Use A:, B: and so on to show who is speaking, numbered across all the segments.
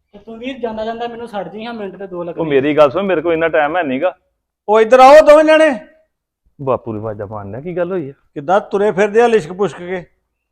A: ਤੇ ਤੂੰ ਵੀਰ ਜਾਂਦਾ ਜਾਂਦਾ ਮੈਨੂੰ ਛੱਡ ਜੀ ਹਾਂ ਮਿੰਟ ਤੇ ਦੋ
B: ਉਹ
A: ਲੱਗਣੇ।
B: ਮੇਰੀ ਗੱਲ ਸੁਣ, ਮੇਰੇ ਕੋਲ ਇੰਨਾ ਟਾਈਮ ਹੈ ਨਹੀਂਗਾ।
C: ਉਹ ਇੱਧਰ ਆਓ ਦੋਵੇਂ ਜਣੇ।
B: ਬਾਪੂ ਦੀ ਆਵਾਜ਼ਾਂ ਮਾਰਨਾ ਕੀ ਗੱਲ ਹੋਈ ਆ?
C: ਕਿੱਦਾਂ ਤੁਰੇ ਫਿਰਦੇ ਆ ਲਿਸ਼ਕ ਪੁਸ਼ਕ ਕੇ?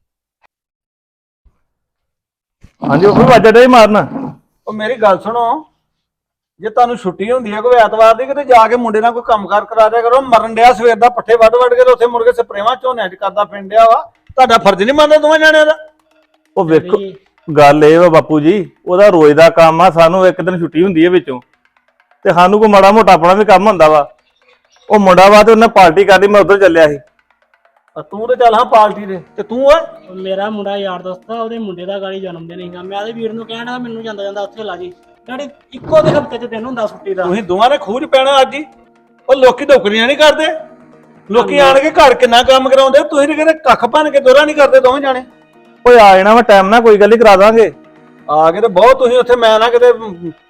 B: ਹਾਂਜੀ ਉਹ ਆਵਾਜ਼ਾਂ ਡੇ ਮਾਰਨਾ।
C: ਉਹ ਮੇਰੀ ਗੱਲ ਸੁਣੋ, ਜੇ ਤੁਹਾਨੂੰ ਛੁੱਟੀ ਹੁੰਦੀ ਹੈ ਕੋਈ ਐਤਵਾਰ ਦੀ, ਕਿਤੇ ਜਾ ਕੇ ਮੁੰਡੇ ਨਾਲ ਕੋਈ ਕੰਮਕਾਰ ਕਰਾ ਦਿਆ ਕਰੋ। ਮਰਨ ਡਿਆ ਸਵੇਰ ਦਾ, ਪੱਠੇ ਵੱਢ ਵੱਢ ਕੇ ਤੇ ਉੱਥੇ ਮੁੜ ਕੇ ਸਪਰੇਵਾਂ ਝੋਨਿਆਂ 'ਚ ਕਰਦਾ ਫਿੰਡਿਆ ਵਾ। ਤੁਹਾਡਾ ਫਰਜ਼ ਨਹੀਂ ਮੰਨਦੇ ਦੋਵੇਂ ਜਣਿਆਂ ਦਾ?
B: ਉਹ ਵੇਖੋ ਗੱਲ ਇਹ ਵਾ ਬਾਪੂ ਜੀ, ਉਹਦਾ ਰੋਜ਼ ਦਾ ਕੰਮ ਆ। ਸਾਨੂੰ ਇੱਕ ਦਿਨ ਛੁੱਟੀ ਹੁੰਦੀ ਹੈ ਵਿੱਚੋਂ, ਤੇ ਸਾਨੂੰ ਕੋਈ ਮਾੜਾ ਮੋਟਾ ਆਪਣਾ ਵੀ ਕੰਮ ਹੁੰਦਾ ਵਾ। ਉਹ ਮੁੰਡਾ ਵਾ ਤੇ ਉਹਨੇ ਪਾਰਟੀ ਕਰਨੀ, ਮੈਂ ਉਧਰ ਚੱਲਿਆ ਸੀ।
C: ਤੂੰ ਤੇ ਚੱਲ ਹਾਂ ਪਾਰਟੀ ਦੇ, ਤੇ ਤੂੰ ਓਏ
A: ਉਹ ਮੇਰਾ ਮੁੰਡਾ ਯਾਰ ਦੋਸਤ ਆ, ਉਹਦੇ ਮੁੰਡੇ ਦਾ ਗਾਲੀ ਜਨਮ ਦਿਨ ਸੀਗਾ। ਮੈਂ ਉਹਦੇ ਵੀਰ ਨੂੰ ਕਹਿਣਾ ਮੈਨੂੰ ਜਾਂਦਾ ਜਾਂਦਾ ਉੱਥੇ ਲਾ ਜੀ। ਡੈਡੀ ਇੱਕੋ ਦੇ ਹਫ਼ਤੇ 'ਚ ਦਿਨ ਹੁੰਦਾ ਛੁੱਟੀ ਦਾ।
C: ਤੁਸੀਂ ਦੋਵਾਂ ਨੇ ਖੂਜ ਪੈਣਾ ਅੱਜ ਹੀ। ਉਹ ਲੋਕੀ ਨੌਕਰੀਆਂ ਨਹੀਂ ਕਰਦੇ, ਲੋਕੀ ਆਣ ਕੇ ਘਰ ਕਿੰਨਾ ਕੰਮ ਕਰਾਉਂਦੇ, ਤੁਸੀਂ ਕਿਤੇ ਕੱਖ ਭੰਨ ਕੇ ਦੋਰਾ ਨਹੀਂ ਕਰਦੇ ਦੋਵੇਂ ਜਾਣੇ।
B: ਓਏ ਆ ਜਾਣਾ ਵਾ ਟਾਈਮ ਨਾਲ, ਕੋਈ ਗੱਲ ਨਹੀਂ, ਕਰਾ ਦਾਂਗੇ।
C: ਆ ਕੇ ਤੇ ਬਹੁਤ ਤੁਸੀਂ ਉੱਥੇ, ਮੈਂ ਨਾ ਕਿਤੇ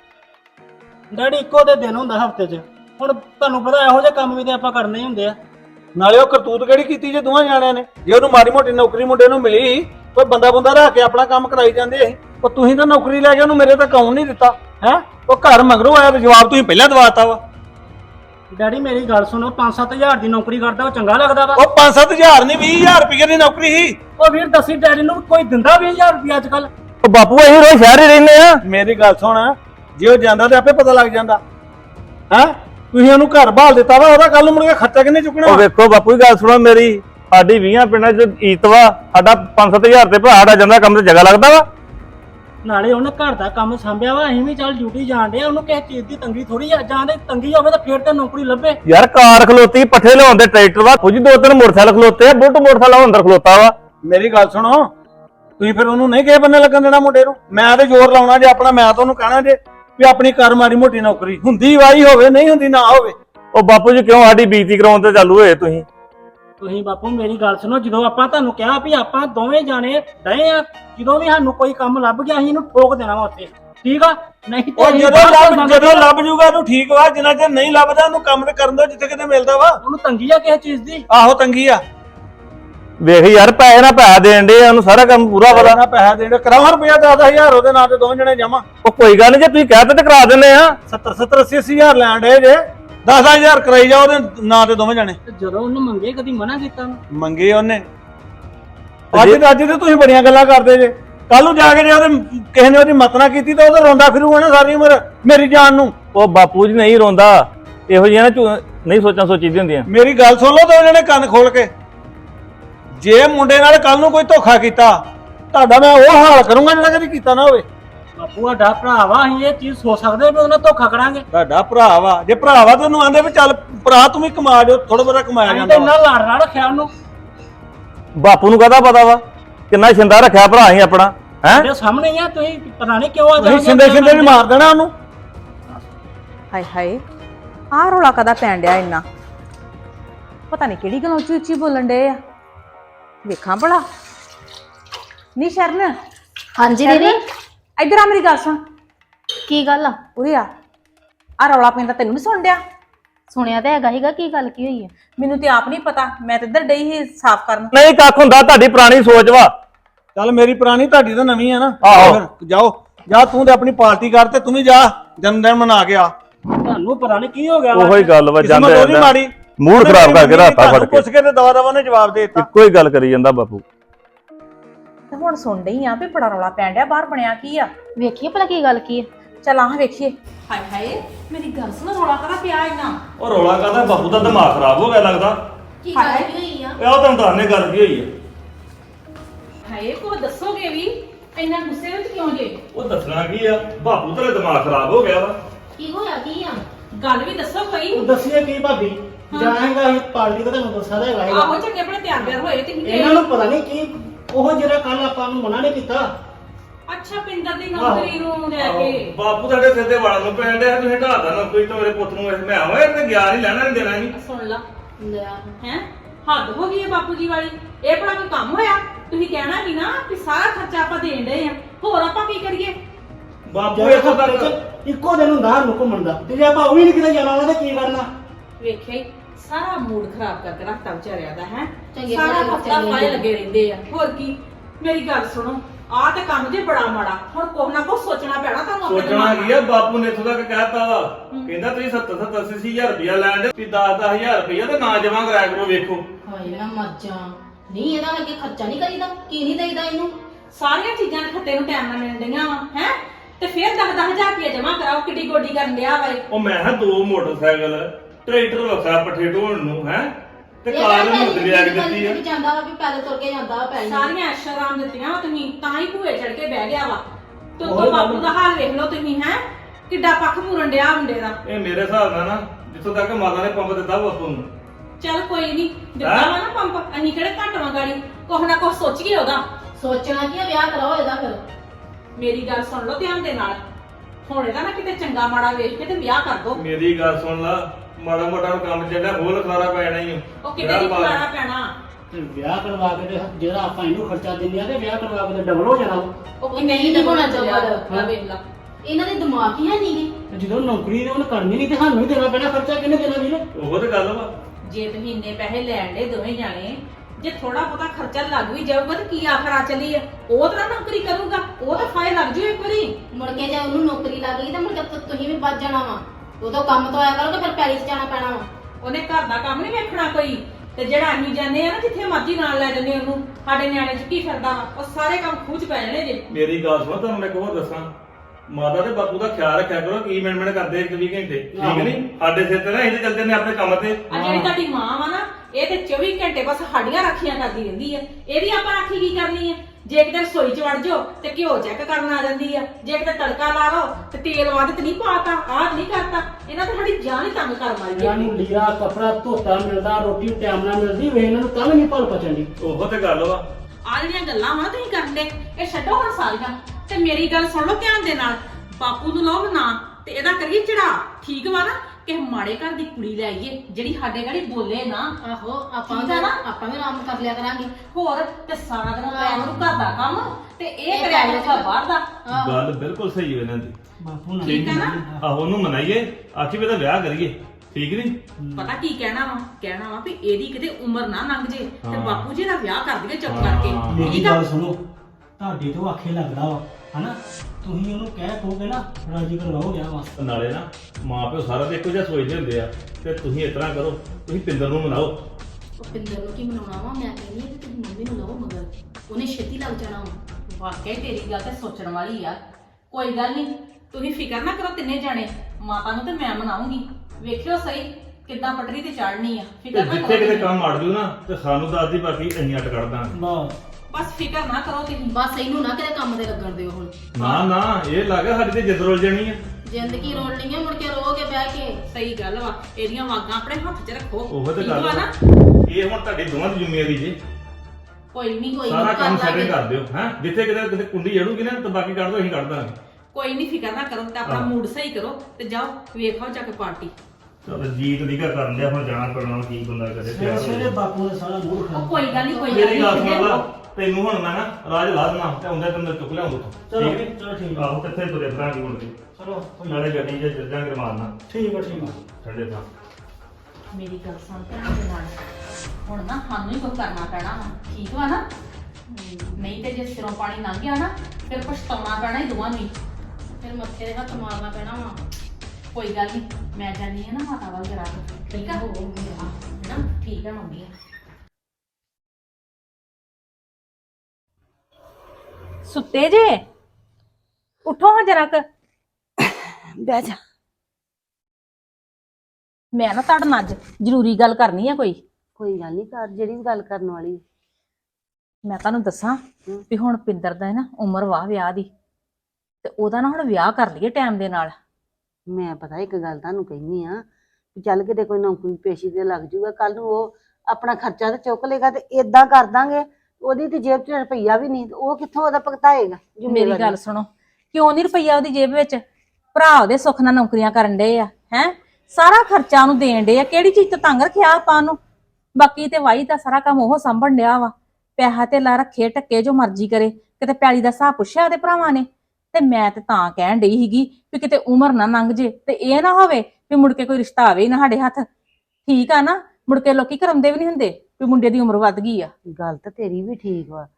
A: ਡੈਡੀ ਇੱਕੋ ਦੇ ਦਿਨ ਹੁੰਦਾ ਹਫ਼ਤੇ 'ਚ। ਹੁਣ ਤੁਹਾਨੂੰ ਪਤਾ ਇਹੋ ਜਿਹੇ ਕੰਮ ਵੀ ਤੇ ਆਪਾਂ ਕਰਨੇ ਹੀ ਹੁੰਦੇ ਆ।
C: ਨਾਲੇ ਉਹ ਕਰਤੂਤ ਕਿਹੜੀ ਕੀਤੀ ਜੇ ਦੋਵਾਂ ਜਾਣਿਆਂ ਨੇ? ਜੇ ਉਹਨੂੰ ਮਾੜੀ ਮੋਟੀ ਨੌਕਰੀ ਮੁੰਡੇ ਨੂੰ ਮਿਲੀ, ਕੋਈ ਬੰਦਾ ਰੱਖ ਕੇ ਆਪਣਾ ਕੰਮ ਕਰਾਈ ਜਾਂਦੇ ਸੀ। ਉਹ ਤੁਸੀਂ ਤਾਂ ਨੌਕਰੀ ਲੈ ਕੇ ਉਹਨੂੰ ਮੇਰੇ ਤੱਕ ਆਉਣ ਨਹੀਂ ਦਿੱਤਾ ਹੈ। ਉਹ ਘਰ ਮਗਰੋਂ ਆਇਆ ਤੇ ਜਵਾਬ ਤੁਸੀਂ ਪਹਿਲਾਂ ਦਵਾਤਾ ਵਾ।
A: ਡੈਡੀ ਮੇਰੀ ਗੱਲ ਸੁਣੋ, 5-7 ਹਜ਼ਾਰ ਦੀ ਨੌਕਰੀ ਕਰਦਾ ਉਹ ਚੰਗਾ ਲੱਗਦਾ ਵਾ?
C: ਉਹ 5-7 ਹਜ਼ਾਰ ਨਹੀਂ, 20,000 ਰੁਪਏ ਦੀ ਨੌਕਰੀ ਸੀ।
A: ਉਹ ਵੀਰ ਦੱਸੀ ਡੈਡੀ ਨੂੰ ਕੋਈ ਦਿੰਦਾ 20,000 ਰੁਪਏ ਅੱਜ ਕੱਲ?
B: ਉਹ ਬਾਪੂ ਅਸੀਂ ਰੋਜ਼ ਸ਼ਹਿਰ ਹੀ ਰਹਿੰਦੇ ਆ।
C: ਮੇਰੀ ਗੱਲ ਸੁਣ, ਜੇ ਉਹ ਜਾਂਦਾ ਤੇ ਆਪੇ ਪਤਾ ਲੱਗ ਜਾਂਦਾ ਹੈ। ਤੁਸੀਂ ਉਹਨੂੰ ਘਰ ਭਾਲ ਦਿੱਤਾ ਵਾ, ਉਹਦਾ ਕੱਲ ਨੂੰ ਮੁੜ ਕੇ ਖਰਚਾ ਕਿੰਨੇ ਚੁੱਕਣਾ?
B: ਉਹ ਵੇਖੋ ਬਾਪੂ ਦੀ ਗੱਲ ਸੁਣੋ ਮੇਰੀ, ਸਾਡੀ 20 ਪਿੰਡਾਂ 'ਚ ਇੱਜ਼ਤ ਵਾ। ਸਾਡਾ 5-7 ਹਜ਼ਾਰ ਤੇ ਭਰਾ ਸਾਡਾ ਜਾਂਦਾ ਕੰਮ ਤੇ ਜਗ੍ਹਾ ਲੱਗਦਾ ਵਾ।
A: ਨਾਲੇ ਉਹਨੇ ਘਰ ਦਾ ਕੰਮ ਸੰਭਿਆ ਵਾ, ਅਸੀਂ ਵੀ ਚੱਲ ਡਿਊਟੀ ਜਾਣ ਡਏ ਆ। ਉਹਨੂੰ ਕਿਸੇ ਚੀਜ਼ ਦੀ ਤੰਗੀ ਥੋੜੀ ਆ, ਜਾਂਦੇ ਤੰਗੀ ਹੋਵੇ ਤਾਂ ਫੇਰ ਤੇ ਨੌਕਰੀ ਲੱਭੇ।
B: ਯਾਰ ਕਾਰ ਖਲੋਤੀ, ਪੱਠੇ ਲਿਆਉਣ ਦੇ ਟਰੈਕਟਰ ਵਾ, ਕੁਝ 2-3 ਮੋਟਰਸਾਈਕਲ ਖਲੋਤੇ ਆ, ਬੁੱਟ ਮੋਟਰਸਾਈਕਲ ਅੰਦਰ ਖਲੋਤਾ ਵਾ।
C: ਮੇਰੀ ਗੱਲ ਸੁਣੋ, ਤੁਸੀਂ ਫਿਰ ਉਹਨੂੰ ਨਹੀਂ ਕਿਸੇ ਬੰਨੇ ਲੱਗਣ ਦੇਣਾ ਮੁੰਡੇ ਨੂੰ? ਮੈਂ ਤੇ ਜ਼ੋਰ ਲਾਉਣਾ ਜੇ ਆਪਣਾ, ਮੈਂ ਤਾਂ ਉਹਨੂੰ ਕਹਿਣਾ ਜੇ ਵੀ ਆਪਣੀ ਕਰ ਮਾੜੀ ਮੋਟੀ ਨੌਕਰੀ ਹੁੰਦੀ ਵਾਈ ਹੋਵੇ, ਨਹੀਂ ਹੁੰਦੀ ਨਾ ਹੋਵੇ।
B: ਉਹ ਬਾਪੂ ਜੀ ਕਿਉਂ ਸਾਡੀ ਬੇਇੱਜ਼ਤੀ ਕਰਾਉਣ ਤੇ ਚਾਲੂ ਹੋਏ ਤੁਸੀਂ?
A: ਤੁਸੀਂ ਬਾਪੂ ਮੇਰੀ ਗੱਲ ਸੁਣੋ, ਜਦੋਂ ਆਪਾਂ ਤੁਹਾਨੂੰ ਕਿਹਾ ਵੀ ਆਪਾਂ ਦੋਵੇਂ ਜਾਣੇ ਡਏ ਆ, ਜਦੋਂ ਵੀ ਸਾਨੂੰ ਕੋਈ ਕੰਮ ਲੱਭ ਗਿਆ ਅਸੀਂ ਇਹਨੂੰ ਠੋਕ ਦੇਣਾ ਵਾ ਉੱਥੇ, ਠੀਕ ਆ? ਨਹੀਂ ਤੇ
C: ਉਹ
A: ਅਸੀਂ
C: ਜਦੋਂ
A: ਬਾਹਰ
C: ਲੱਭ ਜੂਗਾ ਉਹਨੂੰ ਠੀਕ ਵਾ, ਜਿੰਨਾ ਚਿਰ ਨਹੀਂ ਲੱਭਦਾ ਉਹਨੂੰ ਕੰਮ ਤੇ ਕਰਨ ਦੋ ਜਿੱਥੇ ਕਿਤੇ ਮਿਲਦਾ ਵਾ।
A: ਉਹਨੂੰ ਤੰਗੀ ਆ ਕਿਸੇ ਚੀਜ਼ ਦੀ?
C: ਆਹੋ ਤੰਗੀ ਆ।
B: ਵੇਖ ਯਾਰ, ਪੈਸੇ ਨਾਲ ਪੈਸਾ ਦੇਣ ਦੇ ਉਹਨੂੰ, ਸਾਰਾ ਕੰਮ ਪੂਰਾ ਪਤਾ।
C: ਨਾ ਪੈਸਾ ਦੇਣਾ, ਕਰਾਵਾਂ ਰੁਪਇਆ 10,000 ਉਹਦੇ ਨਾਂ ਤੇ ਦੋਵੇਂ ਜਣੇ ਜਮਾ।
B: ਉਹ ਕੋਈ ਗੱਲ ਨਹੀਂ, ਜੇ ਤੁਸੀਂ ਕਹਿ ਤੇ ਕਰਾ ਦਿੰਦੇ ਆ।
C: 70-80 ਹਜ਼ਾਰ ਲੈਣ ਡੇ ਜੇ, 10,000 ਕਰਾਈ ਜਾ ਉਹਦੇ ਨਾਂ ਤੇ ਦੋਵੇਂ ਜਣੇ।
A: ਤੇ ਜਦੋਂ ਉਹਨੂੰ ਮੰਗੇ ਕਦੀ ਮਨਾ ਕੀਤਾ ਉਹਨੂੰ?
C: ਮੰਗੇ ਉਹਨੇ। ਅੱਜ ਤੇ ਤੁਸੀਂ ਬੜੀਆਂ ਗੱਲਾਂ ਕਰਦੇ ਜੇ, ਕੱਲ ਨੂੰ ਜਾ ਕੇ ਜੇ ਉਹਦੇ ਕਿਸੇ ਨੇ ਉਹਦੀ ਮਤ ਨਾ ਕੀਤੀ ਤਾਂ ਉਹਦਾ ਰੋਂਦਾ ਫਿਰੂਗਾ ਨਾ ਸਾਰੀ ਉਮਰ ਮੇਰੀ ਜਾਨ ਨੂੰ।
B: ਉਹ ਬਾਪੂ ਜੀ ਨਹੀਂ ਰੋਂਦਾ, ਇਹੋ ਜਿਹੀਆਂ ਨਾ ਨਹੀਂ ਸੋਚੀਦੀਆਂ ਹੁੰਦੀਆਂ।
C: ਮੇਰੀ ਗੱਲ ਸੁਣ ਲਓ ਦੋਵੇਂ ਜਣੇ ਕੰਨ ਖੋਲ ਕੇ। ਜੇ ਮੁੰਡੇ ਨਾਲ ਕੱਲ ਨੂੰ ਕੋਈ ਧੋਖਾ ਕੀਤਾ, ਤੁਹਾਡਾ ਮੈਂ ਉਹ ਹਾਲ ਕਰੂੰਗਾ ਜਿਹੜਾ ਕਦੀ ਕੀਤਾ ਨਾ ਹੋਵੇ।
A: ਬਾਪੂ ਸਾਡਾ ਭਰਾ ਵਾ, ਅਸੀਂ ਇਹ ਚੀਜ਼ ਸੋਚ ਸਕਦੇ ਵੀ ਉਹਨਾਂ ਧੋਖਾ ਕਰਾਂਗੇ?
C: ਤੁਹਾਡਾ ਭਰਾ ਵਾ, ਜੇ ਭਰਾ ਵਾ ਤੈਨੂੰ ਆਂਦੇ ਵੀ ਚੱਲ ਭਰਾ ਤੂੰ ਵੀ ਕਮਾ ਜੋ, ਥੋੜਾ ਬਹੁਤਾ ਕਮਾਇਆ
A: ਅਸੀਂ
C: ਜਾਂਦਾ
A: ਤਾਂ ਇੰਨਾ ਲਾੜ ਰੱਖਿਆ ਉਹਨੂੰ।
B: ਬਾਪੂ ਨੂੰ ਕਾਹਦਾ ਪਤਾ ਵਾ ਕਿੰਨਾ ਛਿੰਦਾ ਰੱਖਿਆ ਭਰਾ ਹੀ ਆਪਣਾ ਹੈ।
A: ਸਾਡੇ ਸਾਹਮਣੇ ਹੀ ਆ, ਤੁਸੀਂ ਪਤਾ ਨਹੀਂ ਕਿਉਂ ਆ
C: ਤੁਸੀਂ ਸਿੰਦੇ ਵੀ ਮਾਰ ਦੇਣਾ ਉਹਨੂੰ।
D: ਹਾਏ ਹਾਏ, ਆਹ ਰੌਲਾ ਕਦਾ ਪੈਣ ਡਿਆ ਇੰਨਾ? ਪਤਾ ਨਹੀਂ ਕਿਹੜੀ ਗੱਲੋਂ ਉੱਚੀ ਉੱਚੀ ਬੋਲਣ ਡੇ ਆ। ਵੇਖਾਂ ਭਲਾ। ਨੀ ਸ਼ਰਨ,
E: ਹਾਂਜੀ ਦੀਦੀ।
D: ਇੱਧਰ ਆ ਮੇਰੀ ਗੱਲ ਸੁਣ।
E: ਕੀ ਗੱਲ ਆ?
D: ਉਰੇ ਆ। ਆਹ ਰੌਲਾ ਪੈਂਦਾ ਤੈਨੂੰ ਨਹੀਂ ਸੁਣ ਡਿਆ?
E: ਸੁਣਿਆ ਤਾਂ ਹੈਗਾ ਹੀਗਾ, ਕੀ ਗੱਲ ਕੀ ਹੋਈ ਹੈ?
D: ਮੈਨੂੰ ਤੇ ਆਪ ਨਹੀਂ ਪਤਾ, ਮੈਂ ਤੇ ਇੱਧਰ ਡਈ ਸੀ ਸਾਫ਼ ਕਰਨ।
B: ਨਹੀਂ ਕੱਖ ਹੁੰਦਾ, ਤੁਹਾਡੀ ਪੁਰਾਣੀ ਸੋਚ ਵਾ।
C: ਚੱਲ ਮੇਰੀ ਪੁਰਾਣੀ, ਤੁਹਾਡੀ ਤਾਂ ਨਵੀਂ ਆ ਨਾ।
B: ਆਹੋ।
C: ਫਿਰ ਜਾਓ ਜਾ, ਤੂੰ ਤੇ ਆਪਣੀ ਪਾਰਟੀ ਕਰ ਤੇ ਤੂੰ ਵੀ ਜਾ ਜਨਮ ਦਿਨ ਮਨਾ ਕੇ ਆ।
A: ਤੁਹਾਨੂੰ ਪਤਾ ਨਹੀਂ ਕੀ ਹੋ ਗਿਆ ਵਾ।
B: ਉਹੀ ਗੱਲ ਵਾ,
C: ਕਿਸਮਤ ਉਹਦੀ
B: ਜਾਂਦੇ
C: ਮਾੜੀ,
B: ਮੂਡ ਖਰਾਬ ਕਰਕੇ ਰਾਤਾ ਫੜ ਕੇ
C: ਪੁੱਛ ਕੇ ਤੇ ਦਵਾ ਨੇ ਜਵਾਬ ਦੇ ਦਿੱਤਾ।
B: ਇੱਕੋ ਹੀ ਗੱਲ ਕਰੀ ਜਾਂਦਾ ਬਾਪੂ।
D: ਤੇ ਹੁਣ ਸੁਣ ਡਈ ਆ ਵੀ ਬੜਾ ਰੌਲਾ ਪੈਣ ਡਿਆ, ਬਾਹਰ ਬਣਿਆ ਕੀ ਆ?
E: ਵੇਖੀਏ ਭਲਾ ਕੀ ਗੱਲ ਕੀ ਹੈ।
D: ਚੱਲ ਆਹ ਵੇਖੀਏ। ਹਾਏ ਹਾਏ, ਮੇਰੀ ਗੱਲ ਸੁਣ, ਰੌਲਾ ਕਦਾ ਪਿਆ ਇੰਨਾ?
B: ਉਹ ਰੌਲਾ ਕਾਹਦਾ, ਬਾਪੂ ਦਾ ਦਿਮਾਗ ਖਰਾਬ ਹੋ ਗਿਆ ਲੱਗਦਾ।
E: ਕੀ ਗੱਲ ਕੀ ਹੋਈ ਆ?
B: ਉਹ ਤੁਹਾਨੂੰ ਦੱਸਣੇ ਗੱਲ ਕੀ ਹੋਈ ਹੈ।
D: ਹਾਏ, ਕੋ ਦੱਸੋਗੇ ਵੀ? ਇੰਨਾ ਗੁੱਸੇ ਵਿੱਚ ਕਿਉਂ ਜੇ?
B: ਉਹ ਦੱਸਣਾ ਕੀ ਆ, ਬਾਪੂ ਤੇਰਾ ਦਿਮਾਗ ਖਰਾਬ ਹੋ ਗਿਆ ਵਾ।
E: ਕੀ ਹੋਇਆ ਕੀ ਆ?
D: ਗੱਲ ਵੀ ਦੱਸੋ ਕੋਈ।
A: ਉਹ ਦੱਸੀਏ ਕੀ ਭਾਬੀ, ਜਾਏਗਾ ਅਸੀਂ ਪਾਰਟੀ ਦਾ ਤੁਹਾਨੂੰ ਦੱਸਿਆ ਤਾਂ ਹੈਗਾ।
D: ਆਹੋ ਚੰਗੇ ਆਪਣੇ ਤਿਆਰ ਬਿਆਰ ਹੋਏ ਤੇ
A: ਇਹਨਾਂ ਨੂੰ ਪਤਾ ਨਹੀਂ ਕੀ ਉਹ ਜਿਹੜਾ ਕੱਲ ਆਪਾਂ ਨੂੰ ਮਨਾ ਨਹੀਂ ਕੀਤਾ।
D: ਅੱਛਾ, ਪਿੰਦਰ ਦੀ ਨੌਕਰੀ ਨੂੰ ਲੈ ਕੇ
B: ਬਾਪੂ ਤੁਹਾਡੇ ਸਿਰ ਤੇ ਵਾਲਾਂ ਨੂੰ ਪੈਣ ਡਿਆ, ਤੁਸੀਂ ਢਾਤਾ ਨੌਕਰੀ ਤੋਂ ਮੇਰੇ ਪੁੱਤ ਨੂੰ। ਮੈਂ ਆਵਾਂ ਇਹਨੇ ਗਿਆ ਨਹੀਂ, ਲੈਣਾ ਨਹੀਂ ਦੇਣਾ ਨਹੀਂ।
D: ਸੁਣ ਲਾ
E: ਲਿਆ
D: ਹੈ, ਹੱਦ ਹੋ ਗਈ ਹੈ ਬਾਪੂ ਜੀ ਵਾਲੀ। ਇਹ ਭਲਾ ਕੋਈ ਕੰਮ ਹੋਇਆ? ਤੁਸੀਂ ਕਹਿਣਾ ਵੀ ਨਾ ਕਿ ਸਾਰਾ ਖਰਚਾ ਆਪਾਂ ਦੇਣ ਡਏ ਆ, ਹੋਰ ਆਪਾਂ ਕੀ ਕਰੀਏ?
B: ਬਾਪੂ
A: ਜਿਹੜੇ
B: ਇੱਥੋਂ
A: ਹਫ਼ਤੇ
B: ਤੱਕ
A: ਚ ਇੱਕੋ ਦਿਨ ਹੁੰਦਾ ਸਾਨੂੰ ਘੁੰਮਣ ਦਾ, ਤੇ ਜੇ ਆਪਾਂ ਉਹ ਵੀ ਨਹੀਂ ਕਿਤੇ ਜਾਣਾ ਉਹਦਾ ਕੀ ਕਰਨਾ?
D: ਵੇਖਿਆ ਹੀ, ਸਾਰਾ ਮੂਡ ਖਰਾਬ ਕਰਕੇ ਰੱਖਤਾ ਵਿਚਾਰਿਆਂ ਦਾ। ਹੈ
E: ਚੰਗੇ
D: ਸਾਰਾ
E: ਭਲੇ
D: ਹਫਤਾ
E: ਚੰਗੇ
D: ਫਾਇਲ ਲੱਗੇ ਰਹਿੰਦੇ ਆ, ਹੋਰ ਕੀ। ਮੇਰੀ ਗੱਲ ਸੁਣੋ, ਆ ਤੇ ਕੰਮ ਜੇ ਬੜਾ ਮਾੜਾ ਹੁਣ ਕੁਛ ਨਾ ਕੁਛ ਸੋਚਣਾ ਪੈਣਾ ਤੁਹਾਨੂੰ ਆਪਣੇ
B: ਸੋਚਣਾ
D: ਦਿਮਾਗ
B: ਕੀ ਆ, ਬਾਪੂ ਨੇ ਇੱਥੋਂ ਤੱਕ ਕਹਿਤਾ ਵਾ ਕਹਿੰਦਾ ਤੁਸੀਂ 70-80 ਹਜ਼ਾਰ ਰੁਪਇਆ ਲੈਣ ਦੇ, ਤੁਸੀਂ 10-10 ਹਜ਼ਾਰ ਰੁਪਇਆ ਤੇ ਨਾ ਜਮਾ ਕਰਾਇਆ ਕਰੋ, ਵੇਖੋ।
E: ਹਾਏ ਮੈਂ ਮਰ ਜਾ। ਨਹੀਂ ਇਹਦਾ ਅੱਗੇ ਖਰਚਾ ਨਹੀਂ ਕਰੀਦਾ, ਕੀ ਨਹੀਂ ਦੇਈਦਾ ਇਹਨੂੰ?
D: ਸਾਰੀਆਂ ਚੀਜ਼ਾਂ ਦੇ ਖੱਤੇ ਨੂੰ ਟਾਈਮ ਨਾਲ ਮਿਲ ਰਹੀਆਂ ਵਾ ਹੈ ਤੇ ਫਿਰ 10-10 ਹਜ਼ਾਰ ਰੁਪਏ ਜਮਾ ਕਰਾਓ, ਕਿੱਡੀ ਗੋਡੀ ਕਰਨ ਲਿਆ ਵਾ ਇਹ।
B: ਉਹ ਮੈਂ ਕਿਹਾ 2 ਮੋਟਰਸਾਈਕਲ, ਟਰੈਕਟਰ ਵਖਾ ਪੱਠੇ ਢੋਣ ਨੂੰ ਹੈ, ਤੇ
E: ਇਹ
B: ਕਾਰ
E: ਤਾਂ
B: ਨੂੰ ਮੁੱਦ ਲਿਆ ਕੇ ਦਿੱਤੀ ਆ।
E: ਜਾਂਦਾ ਵਾ ਵੀ ਪੈਦਲ ਤੁਰ ਕੇ ਜਾਂਦਾ ਵਾ ਪੈਲੀ।
D: ਸਾਰੀਆਂ ਐਸ਼ਰਾਮ ਦਿੱਤੀਆਂ ਵਾ ਤੁਸੀਂ, ਤਾਂ ਹੀ ਭੂਏ ਚੜ ਕੇ ਬਹਿ ਗਿਆ ਵਾ। ਤੇ
A: ਉਹੀ
D: ਤੋਂ
A: ਗੱਲ।
D: ਬਾਪੂ ਦਾ ਹਾਲ ਵੇਖ ਲਓ ਤੁਸੀਂ ਹੈ, ਕਿੱਡਾ ਪੱਖ ਪੂਰਨ ਡਿਆ ਮੁੰਡੇ ਦਾ।
B: ਇਹ ਮੇਰੇ ਹਿਸਾਬ ਨਾਲ ਨਾ ਜਿੱਥੋਂ ਤੱਕ ਮਾਤਾ ਨੇ ਪੰਪ ਦਿੱਤਾ ਬਾਪੂ ਨੂੰ।
D: ਚੱਲ ਕੋਈ ਨਹੀਂ, ਦਿੱਤਾ ਵਾ ਨਾ ਪੰਪ, ਅਸੀਂ ਕਿਹੜੇ ਘੱਟ ਵਾਂ ਗਾੜੀ, ਕੁਛ ਨਾ ਕੁਛ ਸੋਚੀਏ ਉਹਦਾ।
E: ਸੋਚਣਾ ਕੀ ਆ, ਵਿਆਹ ਕਰਾਓ ਇਹਦਾ ਫਿਰ।
D: ਮੇਰੀ ਗੱਲ ਸੁਣ ਲਓ ਧਿਆਨ ਦੇ ਨਾਲ, ਹੁਣ ਇਹਦਾ ਨਾ ਕਿਤੇ ਚੰਗਾ ਮਾੜਾ ਵੇਖ ਕੇ ਤੇ ਵਿਆਹ ਕਰ ਦੋ।
B: ਮੇਰੀ ਗੱਲ ਸੁਣ ਲਾ, ਮਾੜਾ ਮੋਟਾ ਨੂੰ ਕੰਮ ਚੱਲਿਆ, ਹੋਰ ਖਲਾਰਾ ਪੈ ਜਾਣਾ ਹੀ
D: ਉਹ ਕਿਤੇ ਨਹੀਂ ਖਲਾਣਾ ਪੈਣਾ।
A: ਤੇ ਵਿਆਹ ਕਰਵਾ ਕੇ ਤੇ ਜਿਹੜਾ ਆਪਾਂ ਇਹਨੂੰ ਖਰਚਾ ਦਿੰਦੇ ਆ ਤੇ ਵਿਆਹ ਕਰਵਾ ਕੇ ਤੇ ਡਬਲ ਹੋ ਜਾਣਾ ਵਾ।
D: ਉਹ
E: ਨਹੀਂ ਨਹੀਂ ਹੋਣਾ ਚਾਹੀਦਾ।
D: ਆ ਵੇਖ ਲਾ,
E: ਇਹਨਾਂ ਦੇ ਦਿਮਾਗ ਹੀ ਹੈ ਨਹੀਂਗੇ।
A: ਤੇ ਜਦੋਂ ਨੌਕਰੀ ਨੇ ਉਹਨੇ ਕਰਨੀ ਨਹੀਂ ਤੇ ਸਾਨੂੰ ਹੀ ਦੇਣਾ ਪੈਣਾ ਖਰਚਾ, ਕਿਹਨੇ ਦੇਣਾ ਵੀਰ?
B: ਉਹ ਤੇ ਗੱਲ ਵਾ।
D: ਜੇ ਤੁਸੀਂ ਇੰਨੇ ਪੈਸੇ ਲੈਣ ਦੇ ਦੋਵੇਂ ਜਾਣੇ, ਜੇ ਥੋੜਾ ਬਹੁਤਾ ਖਰਚਾ ਲੱਗ ਵੀ ਜਾਊਗਾ ਤੇ ਕੀ ਆਖਰ ਆ ਚੱਲੀ ਆ? ਉਹ ਤਾਂ ਨੌਕਰੀ ਕਰੂਗਾ, ਉਹ ਤਾਂ ਫਾਇਲ ਲੱਗ ਜੂ ਇੱਕ ਵਾਰੀ।
E: ਮੁੜ ਕੇ ਜੇ ਉਹਨੂੰ ਨੌਕਰੀ ਲੱਗ ਗਈ ਤਾਂ ਮੁੜ ਕੇ ਤੁਸੀਂ ਵੀ ਬਚ ਜਾਣਾ ਵਾ। ਉਦੋਂ ਕੰਮ ਤੋਂ ਆਇਆ ਕਰੋਗੇ ਫਿਰ ਪੈਲੀ 'ਚ ਜਾਣਾ ਪੈਣਾ ਵਾ।
D: ਉਹਨੇ ਘਰ ਦਾ ਕੰਮ ਨਹੀਂ ਵੇਖਣਾ ਕੋਈ, ਤੇ ਜਿਹੜਾ ਅਸੀਂ ਜਾਂਦੇ ਆ ਨਾ ਜਿੱਥੇ ਮਰਜ਼ੀ ਨਾਲ ਲੈ ਜਾਂਦੇ ਉਹਨੂੰ, ਸਾਡੇ ਨਿਆਣੇ 'ਚ ਕੀ ਫਿਰਦਾ ਵਾ? ਉਹ ਸਾਰੇ ਕੰਮ ਖੂਚ ਪੈ ਜਾਣੇ ਜੇ।
B: ਮੇਰੀ ਗੱਲ ਸੁਣ, ਤੁਹਾਨੂੰ ਮੈਂ ਇੱਕ ਹੋਰ ਦੱਸਾਂ, ਮਾਤਾ ਤੇ ਬਾਪੂ ਦਾ ਖਿਆਲ ਰੱਖਿਆ ਕਰੋ, ਕੀ ਮਿੰਟ ਕਰਦੇ 1-2 ਘੰਟੇ, ਠੀਕ ਨਹੀਂ? ਸਾਡੇ ਸਿਰ ਤੇ ਨਾ ਅਸੀਂ ਤੇ ਚੱਲ ਜੰਨੇ ਆਪਣੇ ਕੰਮ ਤੇ।
D: ਆ ਜਿਹੜੀ ਤੁਹਾਡੀ ਮਾਂ ਵਾ ਨਾ, ਇਹ ਤੇ 24 ਘੰਟੇ ਬਸ ਸਾਡੀਆਂ ਰਾਖੀਆਂ ਕਰਦੀ ਰਹਿੰਦੀ ਆ। ਇਹਦੀ ਆਪਾਂ ਰਾਖੀ ਕੀ ਕਰਨੀ ਆ? ਜੇ ਕਿਤੇ ਰਸੋਈ 'ਚ ਵੜ ਜਾਓ ਤੇ ਘਿਓ ਚੈੱਕ ਕਰਨ ਆ ਜਾਂਦੀ ਆ, ਜੇ ਕਿਤੇ ਤੜਕਾ ਲਾ ਲਓ ਤੇ ਤੇਲ ਵੱਧ ਤੇ ਨਹੀਂ ਪਾਤਾ, ਆਹ ਨਹੀਂ ਕਰਤਾ। ਇਹਨਾਂ ਤਾਂ ਸਾਡੀ ਜਾਨ ਹੀ ਤੰਗ ਕਰ ਮਾਰੀ
A: ਇਹਨਾਂ
D: ਆ।
A: ਨੂੰ ਲੀੜਾ ਕਪੜਾ ਧੋਤਾ ਮਿਲਦਾ, ਰੋਟੀ ਟਾਈਮ ਨਾਲ ਮਿਲਦੀ ਵੇ, ਇਹਨਾਂ ਨੂੰ ਤਾਂ ਵੀ ਨਹੀਂ ਭਲ ਪਚਣੀ।
B: ਉਹ ਤੇ ਗੱਲ ਵਾ।
D: ਆਹ ਜਿਹੜੀਆਂ ਗੱਲਾਂ ਵਾ ਨਾ ਤੁਸੀਂ ਕਰਦੇ, ਇਹ ਛੱਡੋ ਹੁਣ ਸਾਰੀਆਂ ਤੇ ਮੇਰੀ ਗੱਲ ਸੁਣ ਲਓ ਧਿਆਨ ਦੇ ਨਾਲ। ਬਾਪੂ ਨੂੰ ਲਓ ਨਾ ਤੇ ਇਹਦਾ ਕਰੀਏ ਚੜਾ, ਠੀਕ ਵਾ ਨਾ? ਕਿ ਮਾੜੇ ਘਰ ਦੀ ਕੁੜੀ ਲੈ ਆਈਏ ਜਿਹੜੀ ਸਾਡੇ ਘੜੀ ਬੋਲੇ ਨਾ।
E: ਆਹੋ ਆਪਾਂ
D: ਠੀਕ ਆ ਨਾ?
E: ਆਪਾਂ ਵੀ ਆਰਾਮ ਕਰ ਲਿਆ ਕਰਾਂਗੇ।
D: ਹੋਰ ਤੇ ਸਾਰਾ ਦਿਨ ਪੈਣ ਨੂੰ ਘਰ ਦਾ ਕੰਮ ਤੇ ਇਹ
E: ਇਹ
D: ਕਰਿਆ
E: ਕਰਿਆ
D: ਕਰੂਗਾ ਬਾਹਰ ਦਾ।
E: ਆਹੋ।
B: ਗੱਲ ਬਿਲਕੁਲ ਸਹੀ ਹੋ ਇਹਨਾਂ ਦੀ।
A: ਬਾਪੂ ਨਾਲ
D: ਠੀਕ ਹੈ ਨਾ?
B: ਆਹੋ, ਉਹਨੂੰ ਮਨਾਈਏ, ਆਖੀ ਵੀ ਇਹਦਾ ਵਿਆਹ ਕਰੀਏ, ਠੀਕ ਨਹੀਂ?
D: ਪਤਾ ਕੀ ਕਹਿਣਾ ਵਾ? ਕਹਿਣਾ ਵਾ ਵੀ ਇਹਦੀ ਕਿਤੇ ਉਮਰ ਨਾ ਲੰਘ ਜੇ ਤੇ
B: ਹਾਂ।
D: ਬਾਪੂ ਜੀ ਦਾ ਵਿਆਹ ਕਰ ਦਈਏ ਚੁੱਪ
B: ਹਾਂ।
D: ਕਰਕੇ,
A: ਮੇਰੀ
D: ਠੀਕ ਆ?
A: ਗੱਲ ਸੁਣੋ, ਤੁਹਾਡੇ ਤੋਂ ਆਖੇ ਲੱਗਦਾ ਵਾ ਹਨਾ, ਤੁਸੀਂ ਉਹਨੂੰ ਕਹਿ ਕਹੋਗੇ ਨਾ ਰਾਜੀ ਕਰਵਾਓ ਵਿਆਹ ਵਾਸਤੇ।
B: ਨਾਲੇ ਨਾ ਮਾਂ ਪਿਓ ਸਾਰਾ ਤੇ ਇੱਕੋ ਜਿਹਾ ਸੋਚਦੇ ਹੁੰਦੇ ਆ, ਤੇ ਤੁਸੀਂ ਇਸ ਤਰ੍ਹਾਂ ਕਰੋ, ਤੁਸੀਂ ਪਿੰਦਰ ਨੂੰ ਮਨਾਓ।
E: ਉਹ ਪਿੰਦਰ ਨੂੰ ਕੀ ਮਨਾਉਣਾ ਵਾ? ਮੈਂ ਕਹਿੰਦੀ ਹਾਂ ਕਿ ਤੁਸੀਂ ਮੰਮੀ ਨੂੰ ਲਓ ਮਗਰ, ਉਹਨੇ ਛੇਤੀ ਲੱਗ ਜਾਣਾ ਵਾ।
D: ਵਾਕਿਆ ਹੀ ਤੇਰੀ ਗੱਲ ਤੇ ਸੋਚਣ ਵਾਲੀ ਆ। ਕੋਈ ਗੱਲ ਨਹੀਂ, ਤੁਸੀਂ ਫਿਕਰ ਨਾ ਕਰੋ ਤਿੰਨੇ ਜਾਣੇ, ਮਾਤਾ ਨੂੰ ਤੇ ਮੈਂ ਮਨਾਉਂਗੀ। ਵੇਖਿਓ ਸਹੀ ਕਿੱਦਾਂ ਪਟੜੀ ਤੇ ਚੜਨੀ ਆ।
B: ਤੇ
D: ਫਿਕਰ ਨਾ
B: ਜਿੱਥੇ ਕਿਤੇ
D: ਕਰੋ,
B: ਕੰਮ ਅੜ ਜੂ ਨਾ ਤੇ ਸਾਨੂੰ ਦੱਸ ਦੀ, ਬਾਕੀ ਅਸੀਂ ਅੱਟ ਕੱਢ ਦਾਂਗੇ।
A: ਬਸ
D: ਬਸ ਫਿਕਰ ਨਾ ਕਰੋ ਤੁਸੀਂ।
E: ਬਸ ਇਹਨੂੰ ਨਾ ਕਿਤੇ ਕੰਮ ਤੇ ਲੱਗਣ ਦਿਓ ਹੁਣ।
B: ਨਾ ਨਾ, ਇਹ ਲੱਗਾ ਸਾਡੀ ਤੇ ਜਿੱਦ ਰੋਲ ਜਾਣੀ ਆ।
E: ਜ਼ਿੰਦਗੀ ਰੋਲਣੀ ਹੈ, ਮੁੜ ਕੇ ਰੋਗੇ ਬਹਿ ਕੇ।
D: ਸਹੀ ਗੱਲ ਵਾ, ਇਹਦੀਆਂ ਵਾਗਾਂ ਆਪਣੇ ਹੱਥ 'ਚ ਰੱਖੋ।
B: ਉਹ ਤੇ
D: ਠੀਕ
B: ਗੱਲ
D: ਵਾ
B: ਵਾ।
D: ਨਾ?
B: ਇਹ ਹੁਣ ਤੁਹਾਡੀ ਦੋਵਾਂ ਦੀ ਜ਼ਿੰਮੇਵਾਰੀ ਜੇ,
D: ਕੋਈ ਨਹੀਂ,
E: ਕੋਈ
B: ਸਾਰਾ
E: ਨੀ,
B: ਕੰਮ
E: ਕਰ
B: ਸਾਡੇ
E: ਲਾਂਗੇ।
B: ਕਰ ਦਿਓ ਹੈ। ਜਿੱਥੇ ਕਿਤੇ ਕੁੰਡੀ ਜੜੂਗੀ ਨਾ ਤੇ ਬਾਕੀ ਕੱਢ ਦੋ, ਅਸੀਂ ਕੱਢ ਦਾਂਗੇ।
D: ਕੋਈ ਨਹੀਂ, ਫਿਕਰ ਨਾ ਕਰੋ ਤੇ ਆਪਣਾ
B: ਹਾਂ।
D: ਮੂਡ ਸਹੀ ਕਰੋ ਤੇ ਜਾਓ ਵੇਖੋ ਜਾ ਕੇ ਪਾਰਟੀ।
B: ਚਲ ਜੀਤ ਦੀ ਘਰ ਕਰਨ ਲਿਆ, ਹੁਣ ਜਾਣਾ ਪੈਣਾ, ਕੀ ਬੰਦਾ ਕਰੇ ਤਿਆਰ ਹੋ
A: ਸਵੇਰੇ
B: ਜਾਏ।
A: ਬਾਪੂ ਨੇ ਸਾਰਾ ਮੂਡ
D: ਉਹ
A: ਖਰਾਬ
D: ਕੋਈ ਗੱਲ ਨਹੀਂ, ਕੋਈ ਗੱਲ
B: ਮੇਰੀ ਗੱਲ
D: ਨਹੀਂ।
B: ਸੁਣ ਲਾ, ਤੈਨੂੰ ਹੁਣ ਮੈਂ ਨਾ ਰਾਜ ਲਾ ਦੇਣਾ ਤੇ ਆਉਂਦਾ ਤੈਨੂੰ ਚੁੱਕ ਲਿਆਉਂਦਾ ਉੱਥੋਂ।
A: ਚਲੋ,
B: ਠੀਕ ਨੀ?
A: ਚਲੋ ਠੀਕ ਆ।
B: ਆਹੋ, ਕਿੱਥੇ ਤੁਰੇ ਫਿਰਾਂਗੇ ਹੁਣ ਦੀ,
A: ਚਲੋ
B: ਨਾਲੇ ਗੱਡੀ 'ਚ ਚੱਲ ਜਾਂਗੇ ਮਾਰਨਾ
A: ਠੀਕ ਆ ਠੀਕ ਆ।
B: ਠੰਡੇ ਥਾਂ।
D: ਮੇਰੀ ਗੱਲ ਸੁਣ ਧਿਆਨ ਦੇ ਨਾਲ, ਹੁਣ ਨਾ ਸਾਨੂੰ ਹੀ ਕੁਝ ਕਰਨਾ ਪੈਣਾ ਵਾ, ਠੀਕ ਵਾ ਨਾ? ਨਹੀਂ ਤੇ ਜੇ ਸਿਰੋਂ ਪਾਣੀ ਲੰਘ ਗਿਆ ਨਾ ਫਿਰ ਪਛਤਾਉਣਾ ਪੈਣਾ ਹੀ ਦੋਵਾਂ ਨੂੰ ਹੀ।
E: ਫਿਰ ਮੱਥੇ ਦੇ ਹੱਥ ਮਾਰਨਾ ਪੈਣਾ ਵਾ।
D: ਕੋਈ ਗੱਲ ਨਹੀਂ, ਮੈਂ ਜਾਨੀ ਆ ਨਾ ਮਾਤਾ ਵੱਲ ਜਰਾ ਕੁ, ਠੀਕ ਆ?
E: ਹੋ ਗਿਆ।
D: ਹੈਨਾ? ਠੀਕ ਆ ਮੰਮੀ। ਸੁੱਤੇ ਜੇ? ਉਠੋ ਹਾਂ ਜਰਾ ਕ।
F: ਬਹਿ ਜਾ।
D: ਮੈਂ ਨਾ ਤੁਹਾਡੇ ਨਾਲ ਅੱਜ ਜ਼ਰੂਰੀ ਗੱਲ ਕਰਨੀ ਆ ਕੋਈ।
F: ਕੋਈ ਗੱਲ ਨਹੀਂ, ਕਰ ਜਿਹੜੀ ਵੀ ਗੱਲ ਕਰਨ ਵਾਲੀ।
D: ਮੈਂ ਤੁਹਾਨੂੰ ਦੱਸਾਂ ਵੀ ਹੁਣ ਪਿੰਦਰ ਦਾ ਨਾ ਉਮਰ ਵਾਹ ਵਿਆਹ ਦੀ, ਤੇ ਉਹਦਾ ਨਾ ਹੁਣ ਵਿਆਹ ਕਰ ਲਈਏ ਟਾਈਮ ਦੇ ਨਾਲ।
F: ਮੈਂ ਪਤਾ ਇੱਕ ਗੱਲ ਤੁਹਾਨੂੰ ਕਹਿਨੀ ਆ ਵੀ ਚੱਲ ਕਿਤੇ ਕੋਈ ਨੌਕਰੀ ਪੇਸ਼ੀ ਤੇ ਲੱਗ ਜੂਗਾ, ਕੱਲ ਨੂੰ ਉਹ ਆਪਣਾ ਖਰਚਾ ਤੇ ਚੁੱਕ ਲੇਗਾ, ਤੇ ਏਦਾਂ ਕਰ ਦਾਂਗੇ ਉਹਦੀ ਤੇ ਜੇਬ 'ਚ ਰੁਪਈਆ ਵੀ ਨਹੀਂ, ਤੇ ਉਹ ਕਿੱਥੋਂ ਉਹਦਾ ਭੁਗਤਾਏਗਾ?
D: ਮੇਰੀ ਗੱਲ ਸੁਣੋ, ਕਿਉਂ ਨਹੀਂ ਰੁਪਈਆ ਉਹਦੀ ਜੇਬ ਵਿੱਚ? ਭਰਾ ਉਹਦੇ ਸੁੱਖ ਨਾਲ ਨੌਕਰੀਆਂ ਕਰਨ ਡਏ ਆ, ਹੈ ਸਾਰਾ ਖਰਚਾ ਉਹਨੂੰ ਦੇਣ ਡਏ ਆ। ਕਿਹੜੀ ਚੀਜ਼ ਤੋਂ ਤੰਗ ਰੱਖਿਆ ਆਪਾਂ ਨੂੰ? ਬਾਕੀ ਤੇ ਵਾਈ ਦਾ ਸਾਰਾ ਕੰਮ ਉਹ ਸੰਭਣ ਡਿਆ ਵਾ। ਪੈਸਾ ਤੇ ਲਾ ਰੱਖੇ ਟੱਕੇ ਜੋ ਮਰਜ਼ੀ ਕਰੇ, ਕਿਤੇ ਪੈਲੀ ਦਾ ਹਿਸਾਬ ਪੁੱਛਿਆ ਉਹਦੇ ਭਰਾਵਾਂ ਨੇ? ਤੇ ਮੈਂ ਤੇ ਤਾਂ ਕਹਿਣ ਡਈ ਸੀਗੀ ਵੀ ਕਿਤੇ ਉਮਰ ਨਾ ਲੰਘ ਜੇ ਤੇ ਇਹ ਨਾ ਹੋਵੇ ਵੀ ਮੁੜ ਕੇ ਕੋਈ ਰਿਸ਼ਤਾ ਆਵੇ ਹੀ ਨਾ ਸਾਡੇ ਹੱਥ, ਠੀਕ ਆ ਨਾ? ਮੁੜ ਕੇ ਲੋਕੀ ਕਰਾਉਂਦੇ ਵੀ ਨਹੀਂ ਹੁੰਦੇ ਵੀ ਮੁੰਡੇ ਦੀ ਉਮਰ ਵੱਧ ਗਈ ਆ।
F: ਗੱਲ ਤਾਂ ਤੇਰੀ ਵੀ ਠੀਕ ਵਾ,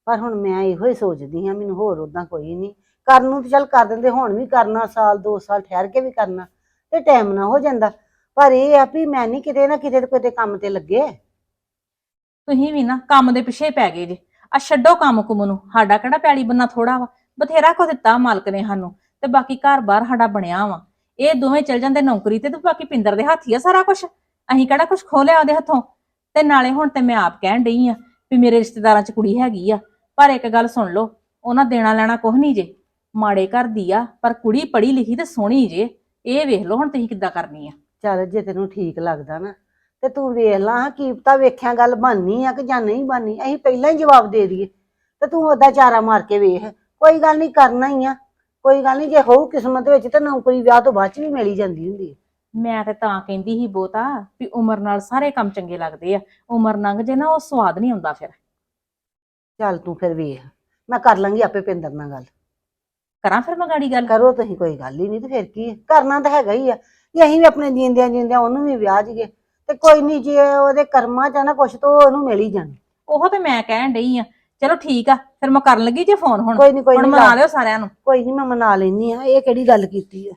F: ਪਰ ਹੁਣ ਮੈਂ ਇਹੋ ਹੀ ਸੋਚਦੀ ਹਾਂ, ਮੈਨੂੰ ਹੋਰ ਉਦਾਂ ਕੋਈ ਨਹੀਂ। ਕਰਨ ਨੂੰ ਤੇ ਚੱਲ ਕਰ ਦਿੰਦੇ, ਹੁਣ ਵੀ ਕਰਨਾ, ਸਾਲ 2 ਸਾਲ ਠਹਿਰ ਕੇ ਵੀ ਕਰਨਾ ਤੇ ਟਾਈਮ ਨਾ ਹੋ ਜਾਂਦਾ। ਪਰ ਇਹ ਆ ਵੀ ਮੈਂ ਨਹੀਂ ਕਿਤੇ ਨਾ ਕਿਤੇ ਤੇ ਕਿਤੇ ਕੰਮ ਤੇ ਲੱਗੇ।
D: ਤੁਸੀਂ ਵੀ ਨਾ ਕੰਮ ਦੇ ਪਿੱਛੇ ਪੈ ਗਏ ਜੇ। ਆ ਛੱਡੋ ਕੰਮ ਕੁਮ ਨੂੰ, ਸਾਡਾ ਕਿਹੜਾ ਪੈਲੀ ਬੰਨਾ ਥੋੜਾ ਵਾ, ਬਥੇਰਾ ਕੁਝ ਦਿੱਤਾ ਮਾਲਕ ਨੇ ਸਾਨੂੰ, ਤੇ ਬਾਕੀ ਘਰ-ਬਾਰ ਸਾਡਾ ਬਣਿਆ ਵਾ। ਇਹ ਦੋਵੇਂ ਚਲ ਜਾਂਦੇ ਨੌਕਰੀ ਤੇ ਬਾਕੀ ਪਿੰਦਰ ਦੇ ਹੱਥ ਹੀ ਆ ਸਾਰਾ ਕੁਝ। ਅਸੀਂ ਕਿਹੜਾ ਕੁਝ ਖੋਲਿਆ ਉਹਦੇ ਹੱਥੋਂ। ਤੇ ਨਾਲੇ ਹੁਣ ਤੇ ਮੈਂ ਆਪ ਕਹਿਣ ਡਈ ਆ ਵੀ ਮੇਰੇ ਰਿਸ਼ਤੇਦਾਰਾਂ 'ਚ ਕੁੜੀ ਹੈਗੀ ਆ, ਪਰ ਇੱਕ ਗੱਲ ਸੁਣ ਲਓ, ਉਹਨਾਂ ਦੇਣਾ ਲੈਣਾ ਕੁਝ ਨਹੀਂ ਜੇ। ਮਾੜੇ ਘਰ ਦੀ ਆ ਪਰ ਕੁੜੀ ਪੜ੍ਹੀ ਲਿਖੀ ਤੇ ਸੋਹਣੀ ਜੇ। ਇਹ ਵੇਖ ਲਓ ਹੁਣ ਤੁਸੀਂ ਕਿੱਦਾਂ ਕਰਨੀ ਆ।
F: ਚੱਲ ਜੇ ਤੈਨੂੰ ਠੀਕ ਲੱਗਦਾ ਨਾ ਤੇ ਤੂੰ ਵੇਖ ਲਾ, ਕੀ ਪਤਾ ਵੇਖਿਆ ਗੱਲ ਬਣਨੀ ਆ ਕਿ ਜਾਂ ਨਹੀਂ ਬਣਨੀ। ਅਸੀਂ ਪਹਿਲਾਂ ਹੀ ਜਵਾਬ ਦੇ ਦਈਏ ਤੇ ਤੂੰ ਉਹਦਾ ਚਾਰਾ ਮਾਰ ਕੇ ਵੇਖ। ਕੋਈ ਗੱਲ ਨਹੀਂ, ਕਰਨਾ ਹੀ ਆ। ਕੋਈ ਗੱਲ ਨਹੀਂ, ਜੇ ਹੋਊ ਕਿਸਮਤ ਵਿੱਚ ਤੇ ਨੌਕਰੀ ਵਿਆਹ ਤੋਂ ਬਾਅਦ ਚ ਵੀ ਮਿਲ ਹੀ ਜਾਂਦੀ ਹੁੰਦੀ ਹੈ।
D: ਮੈਂ ਤੇ ਤਾਂ ਕਹਿੰਦੀ ਸੀ ਬਹੁਤਾ ਵੀ ਉਮਰ ਨਾਲ ਸਾਰੇ ਕੰਮ ਚੰਗੇ ਲੱਗਦੇ ਆ। ਉਮਰ ਲੰਘ ਜੇ ਨਾ ਉਹ ਸਵਾਦ ਨਹੀਂ ਆਉਂਦਾ ਫਿਰ।
F: ਚੱਲ ਤੂੰ ਫਿਰ ਵੇਖ, ਮੈਂ ਕਰ ਲਾਂਗੀ ਆਪੇ ਪਿੰਦਰ ਨਾਲ ਗੱਲ।
D: ਕਰਾਂ ਫਿਰ ਮੈਂ ਗਾੜੀ ਗੱਲ?
F: ਕਰੋ ਤੁਸੀਂ, ਕੋਈ ਗੱਲ ਹੀ ਨਹੀਂ ਤੇ ਫਿਰ ਕੀ ਹੈ, ਕਰਨਾ ਤਾਂ ਹੈਗਾ ਹੀ ਆ। ਜੇ ਅਸੀਂ ਵੀ ਆਪਣੇ ਜੀਂਦਿਆਂ ਜੀਂਦਿਆਂ ਉਹਨੂੰ ਵੀ ਵਿਆਹ ਜੀਏ ਤੇ ਕੋਈ ਨਹੀਂ, ਜੇ ਉਹਦੇ ਕਰਮਾਂ ਚ ਆ ਨਾ ਕੁਛ ਤਾਂ ਉਹਨੂੰ ਮਿਲ ਹੀ ਜਾਣਾ।
D: ਉਹ ਤੇ ਮੈਂ ਕਹਿਣ ਡਈ ਆ। ਚਲੋ ਠੀਕ ਆ, ਫਿਰ ਮੈਂ ਕਰਨ ਲੱਗੀ ਜੇ ਫੋਨ। ਹੁਣ
F: ਕੋਈ ਨਹੀਂ, ਕੋਈ
D: ਹੁਣ
F: ਨਹੀਂ,
D: ਮਨਾ ਲਿਓ ਸਾਰਿਆਂ ਨੂੰ।
F: ਕੋਈ ਨਹੀਂ, ਮੈਂ ਮਨਾ ਲੈਣੀ ਆ। ਇਹ ਕਿਹੜੀ ਗੱਲ ਕੀਤੀ ਆ?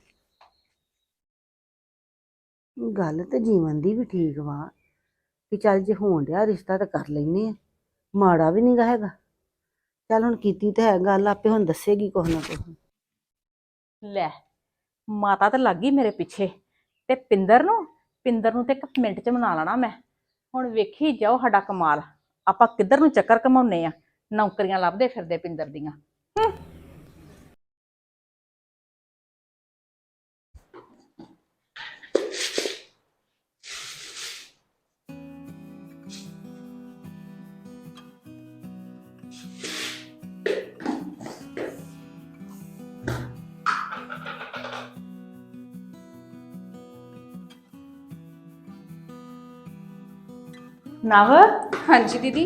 F: ਗੱਲ ਤੇ ਜੀਵਨ ਦੀ ਵੀ ਠੀਕ ਵਾ ਕਿ ਚੱਲ ਜੇ ਹੋਣ ਡਿਆ ਰਿਸ਼ਤਾ ਤਾਂ ਕਰ ਲੈਨੇ ਆ, ਮਾੜਾ ਵੀ ਨਹੀਂਗਾ ਹੈਗਾ। ਚੱਲ ਹੁਣ ਕੀਤੀ ਤਾਂ ਹੈ ਗੱਲ, ਆਪੇ ਹੁਣ ਦੱਸੇਗੀ ਕੁਛ ਨਾ ਕੁਛ।
D: ਲੈ, ਮਾਤਾ ਤਾਂ ਲੱਗ ਗਈ ਮੇਰੇ ਪਿੱਛੇ। ਤੇ ਪਿੰਦਰ ਨੂੰ ਤੇ 1 ਮਿੰਟ ਚ ਮਨਾ ਲੈਣਾ ਮੈਂ। ਹੁਣ ਵੇਖੀ ਜਾਓ ਸਾਡਾ ਕਮਾਲ, ਆਪਾਂ ਕਿੱਧਰ ਨੂੰ ਚੱਕਰ ਘਮਾਉਨੇ ਆ। ਨੌਕਰੀਆਂ ਲੱਭਦੇ ਫਿਰਦੇ ਪਿੰਦਰ ਦੀਆਂ। ਨਵ,
G: ਹਾਂਜੀ ਦੀਦੀ।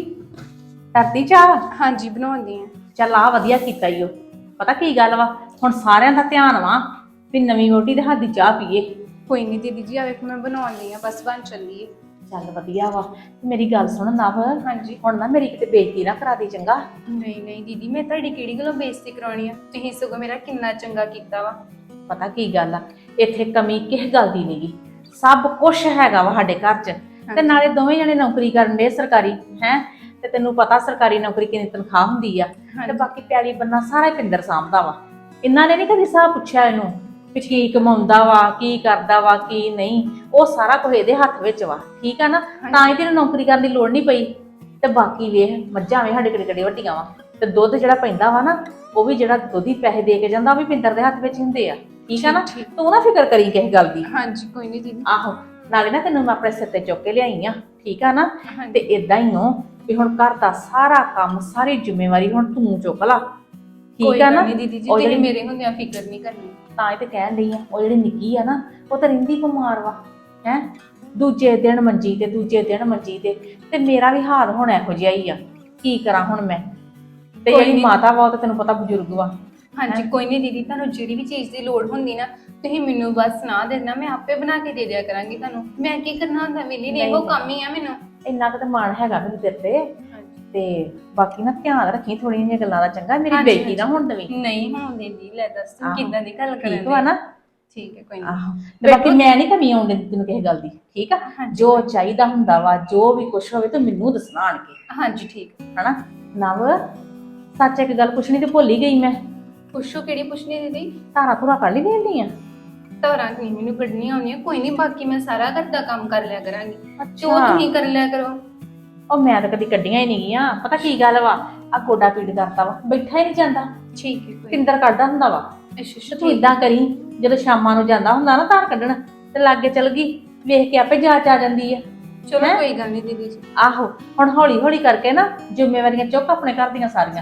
D: ਕਰਦੀ ਚਾਹ?
G: ਹਾਂਜੀ ਬਣਾਉਂਦੀ ਆ।
D: ਚੱਲ ਆ ਵਧੀਆ ਕੀਤਾ ਈ ਓ। ਪਤਾ ਕੀ ਗੱਲ ਵਾ, ਹੁਣ ਸਾਰਿਆਂ ਦਾ ਧਿਆਨ ਵਾ ਵੀ ਨਵੀਂ ਵਹੁਟੀ ਦੇ ਹੱਥ ਦੀ ਚਾਹ ਪੀਏ।
G: ਕੋਈ ਨਹੀਂ ਦੀਦੀ ਜੀ, ਆ ਵੇਖ ਮੈਂ ਬਣਾਉਂਦੀ ਆ, ਬਸ ਬਣ ਚੱਲੀ ਏ।
D: ਚੱਲ ਵਧੀਆ ਵਾ। ਮੇਰੀ ਗੱਲ ਸੁਣ ਨਵ,
G: ਹਾਂਜੀ।
D: ਹੁਣ ਨਾ ਮੇਰੀ ਕਿਤੇ ਬੇਇੱਜ਼ਤੀ ਨਾ ਕਰਾ ਦੇ ਚੰਗਾ।
G: ਨਹੀਂ ਨਹੀਂ ਦੀਦੀ, ਮੈਂ ਤੁਹਾਡੀ ਕਿਹੜੀ ਗੱਲੋਂ ਬੇਇੱਜ਼ਤੀ ਕਰਾਉਣੀ ਆ? ਤੁਸੀਂ ਸਗੋਂ ਮੇਰਾ ਕਿੰਨਾ ਚੰਗਾ ਕੀਤਾ ਵਾ।
D: ਪਤਾ ਕੀ ਗੱਲ ਆ, ਇੱਥੇ ਕਮੀ ਕਿਸ ਗੱਲ ਦੀ ਨਹੀਂਗੀ, ਸਭ ਕੁਝ ਹੈਗਾ ਵਾ ਸਾਡੇ ਘਰ 'ਚ। ਤੇ ਨਾਲੇ ਦੋਵੇਂ ਜਣੇ ਨੌਕਰੀ ਕਰਨ ਦੇ ਸਰਕਾਰੀ ਹੈ, ਤੇ ਤੈਨੂੰ ਪਤਾ ਸਰਕਾਰੀ ਨੌਕਰੀ ਕਿੰਨੀ ਤਨਖਾਹ ਹੁੰਦੀ ਆ। ਤੇ ਬਾਕੀ ਪਿਆਲੀ ਬੰਨਾ ਸਾਰਾ ਪਿੰਦਰ ਸਾਂਭਦਾ ਵਾ। ਇਹਨਾਂ ਨੇ ਨੀ ਕਦੀ ਹਿਸਾਬ ਪੁੱਛਿਆ ਇਹਨੂੰ ਵੀ ਕੀ ਕਮਾਉਂਦਾ ਵਾ, ਕੀ ਕਰਦਾ ਵਾ, ਕੀ ਨਹੀਂ। ਉਹ ਸਾਰਾ ਕੁਝ ਇਹਦੇ ਹੱਥ ਵਿੱਚ ਵਾ, ਠੀਕ ਆ ਨਾ। ਤਾਂ ਹੀ ਤੈਨੂੰ ਨੌਕਰੀ ਕਰਨ ਦੀ ਲੋੜ ਨਹੀਂ ਪਈ। ਤੇ ਬਾਕੀ ਵੇਖ, ਮੱਝਾਂ ਵੇ ਸਾਡੇ ਕਿਹੜੇ ਵੱਡੀਆਂ ਵਾ, ਤੇ ਦੁੱਧ ਜਿਹੜਾ ਪੈਂਦਾ ਵਾ ਨਾ, ਉਹ ਵੀ ਜਿਹੜਾ ਦੁੱਧ ਹੀ ਪੈਸੇ ਦੇ ਕੇ ਜਾਂਦਾ, ਉਹ ਵੀ ਪਿੰਦਰ ਦੇ ਹੱਥ ਵਿੱਚ ਹੁੰਦੇ ਆ, ਠੀਕ ਆ ਨਾ। ਤੂੰ ਨਾ ਫਿਕਰ ਕਰੀ ਕਿਸੇ ਗੱਲ ਦੀ।
G: ਹਾਂਜੀ ਕੋਈ ਨਹੀਂ ਦੀਦੀ।
D: ਆਹੋ, ਨਾਲੇ ਨਾ ਤੈਨੂੰ ਮੈਂ ਆਪਣੇ ਸਿਰ ਤੇ ਚੁੱਕ ਕੇ ਲਿਆਈ ਆ, ਠੀਕ ਆ ਨਾ। ਤੇ ਇਦਾਂ ਹੀ ਹੋ ਵੀ ਹੁਣ ਘਰ ਦਾ ਸਾਰਾ ਕੰਮ, ਸਾਰੀ ਜ਼ਿੰਮੇਵਾਰੀ ਹੁਣ ਤੂੰ ਚੁੱਕ ਲਾ, ਠੀਕ ਆ ਨਾ।
G: ਨਹੀਂ ਦੀਦੀ ਜੀ, ਤੁਸੀਂ ਮੇਰੇ ਹੁੰਦਿਆਂ ਫਿਕਰ ਨਹੀਂ ਕਰਨੀ।
D: ਤਾਂ ਇਹ ਤੇ ਕਹਿਣ ਡਈ ਆ, ਉਹ ਜਿਹੜੀ ਨਿੱਕੀ ਆ ਨਾ, ਉਹ ਤਾਂ ਰਹਿੰਦੀ ਬਿਮਾਰ ਵਾ ਹੈ। ਦੂਜੇ ਦਿਨ ਮੰਜੀ ਤੇ ਦੂਜੇ ਦਿਨ ਮੰਜੀ ਤੇ ਮੇਰਾ ਵੀ ਹਾਲ ਹੁਣ ਇਹੋ ਜਿਹਾ ਹੀ ਆ। ਕੀ ਕਰਾਂ ਹੁਣ ਮੈਂ? ਤੇ ਜਿਹੜੀ ਮਾਤਾ ਵਾ ਉਹ ਤਾਂ ਤੈਨੂੰ ਪਤਾ ਬਜ਼ੁਰਗ ਵਾ।
G: ਹਾਂਜੀ ਕੋਈ ਨਹੀਂ ਦੀਦੀ, ਤੁਹਾਨੂੰ ਜਿਹੜੀ ਵੀ ਚੀਜ਼ ਦੀ ਲੋੜ ਹੁੰਦੀ ਨਾ, ਤੁਸੀਂ ਮੈਨੂੰ ਬਸ ਸੁਣਾ ਦੇਣਾ, ਮੈਂ ਆਪੇ ਬਣਾ ਕੇ ਦੇ ਦਿਆ ਕਰਾਂਗੀ ਤੁਹਾਨੂੰ। ਮੈਂ ਕੀ ਕਰਨਾ ਹੁੰਦਾ, ਮਿਲੀ ਨਹੀਂ, ਇਹੋ ਕੰਮ ਹੀ ਆ ਮੈਨੂੰ।
D: ਇੰਨਾ ਕੁ ਤਾਂ ਮਾਣ ਹੈਗਾ ਮੈਨੂੰ ਤੇਰੇ ਤੇ। ਤੇ ਬਾਕੀ ਨਾ ਧਿਆਨ ਰੱਖੀ ਥੋੜੀਆਂ ਜਿਹੀਆਂ ਗੱਲਾਂ ਦਾ, ਚੰਗਾ। ਮੇਰੀ ਬੇਇੱਜ਼ਤੀ ਨਾ ਹੁਣ ਦਵੀਂ।
G: ਨਹੀਂ ਹੋਣ ਦਿੰਦੀ। ਲੈ ਦੱਸ ਤੂੰ ਕਿੱਦਾਂ ਦੀ ਗੱਲ ਕਰਨ
D: ਠੀਕ ਵਾ ਨਾ?
G: ਠੀਕ ਹੈ ਕੋਈ ਨਹੀਂ।
D: ਆਹੋ, ਤੇ ਬਾਕੀ ਮੈਂ ਨਹੀਂ ਕਮੀ ਆਉਣ ਦਿੰਦੀ ਤੈਨੂੰ ਕਿਸੇ ਗੱਲ ਦੀ, ਠੀਕ ਆ। ਜੋ ਚਾਹੀਦਾ ਹੁੰਦਾ ਵਾ, ਜੋ ਵੀ ਕੁਛ ਹੋਵੇ ਤੂੰ ਮੈਨੂੰ ਦੱਸਣਾ ਆਣ ਕੇ।
G: ਹਾਂਜੀ ਠੀਕ
D: ਹਨਾ ਨਵ, ਸੱਚ ਇੱਕ ਗੱਲ ਪੁੱਛਣੀ ਤੇ ਭੁੱਲ ਹੀ ਗਈ ਮੈਂ।
G: ਪੁੱਛੋ, ਕਿਹੜੀ ਪੁੱਛਣੀ ਦੀਦੀ?
D: ਧਾਰਾਂ ਧੁਰਾ ਕੱਢ ਲਈ ਦੇਣੀ ਆ?
G: ਧਾਰਾਂ ਨਹੀਂ ਮੈਨੂੰ ਕੱਢਣੀਆਂ ਆਉਂਦੀਆਂ, ਕੋਈ ਨਹੀਂ, ਬਾਕੀ ਮੈਂ ਸਾਰਾ ਘਰ ਦਾ ਕੰਮ ਕਰ ਲਿਆ ਕਰਾਂਗੀ। ਜੋ
D: ਅੱਛਾ,
G: ਤੁਸੀਂ ਕਰ ਲਿਆ ਕਰੋ।
D: ਉਹ ਮੈਂ ਤਾਂ ਕਦੀ ਕੱਢੀਆਂ ਹੀ ਨਹੀਂ ਗਈਆਂ। ਪਤਾ ਕੀ ਗੱਲ ਵਾ, ਆ ਗੋਡਾ ਪੀੜ ਕਰਦਾ ਵਾ, ਬੈਠਾ ਹੀ ਨਹੀਂ ਜਾਂਦਾ।
G: ਠੀਕ ਹੈ ਕੋਈ
D: ਪਿੰਦਰ ਕੱਢਦਾ ਹੁੰਦਾ ਵਾ।
G: ਅੱਛਾ
D: ਤੂੰ ਇਦਾਂ ਕਰੀ, ਜਦੋਂ ਸ਼ਾਮਾਂ ਨੂੰ ਜਾਂਦਾ ਹੁੰਦਾ ਨਾ ਧਾਰ ਕੱਢਣ, ਤੇ ਲਾਗੇ ਚਲ ਗਈ, ਵੇਖ ਕੇ ਆਪੇ ਜਾਚ ਆ ਜਾਂਦੀ ਆ।
G: ਚਲੋ ਕੋਈ ਗੱਲ ਨਹੀਂ ਦੀਦੀ ਜੀ।
D: ਆਹੋ, ਹੁਣ ਹੌਲੀ ਹੌਲੀ ਕਰਕੇ ਨਾ ਜ਼ਿੰਮੇਵਾਰੀਆਂ ਚੁੱਕ ਆਪਣੇ ਘਰ ਦੀਆਂ ਸਾਰੀਆਂ,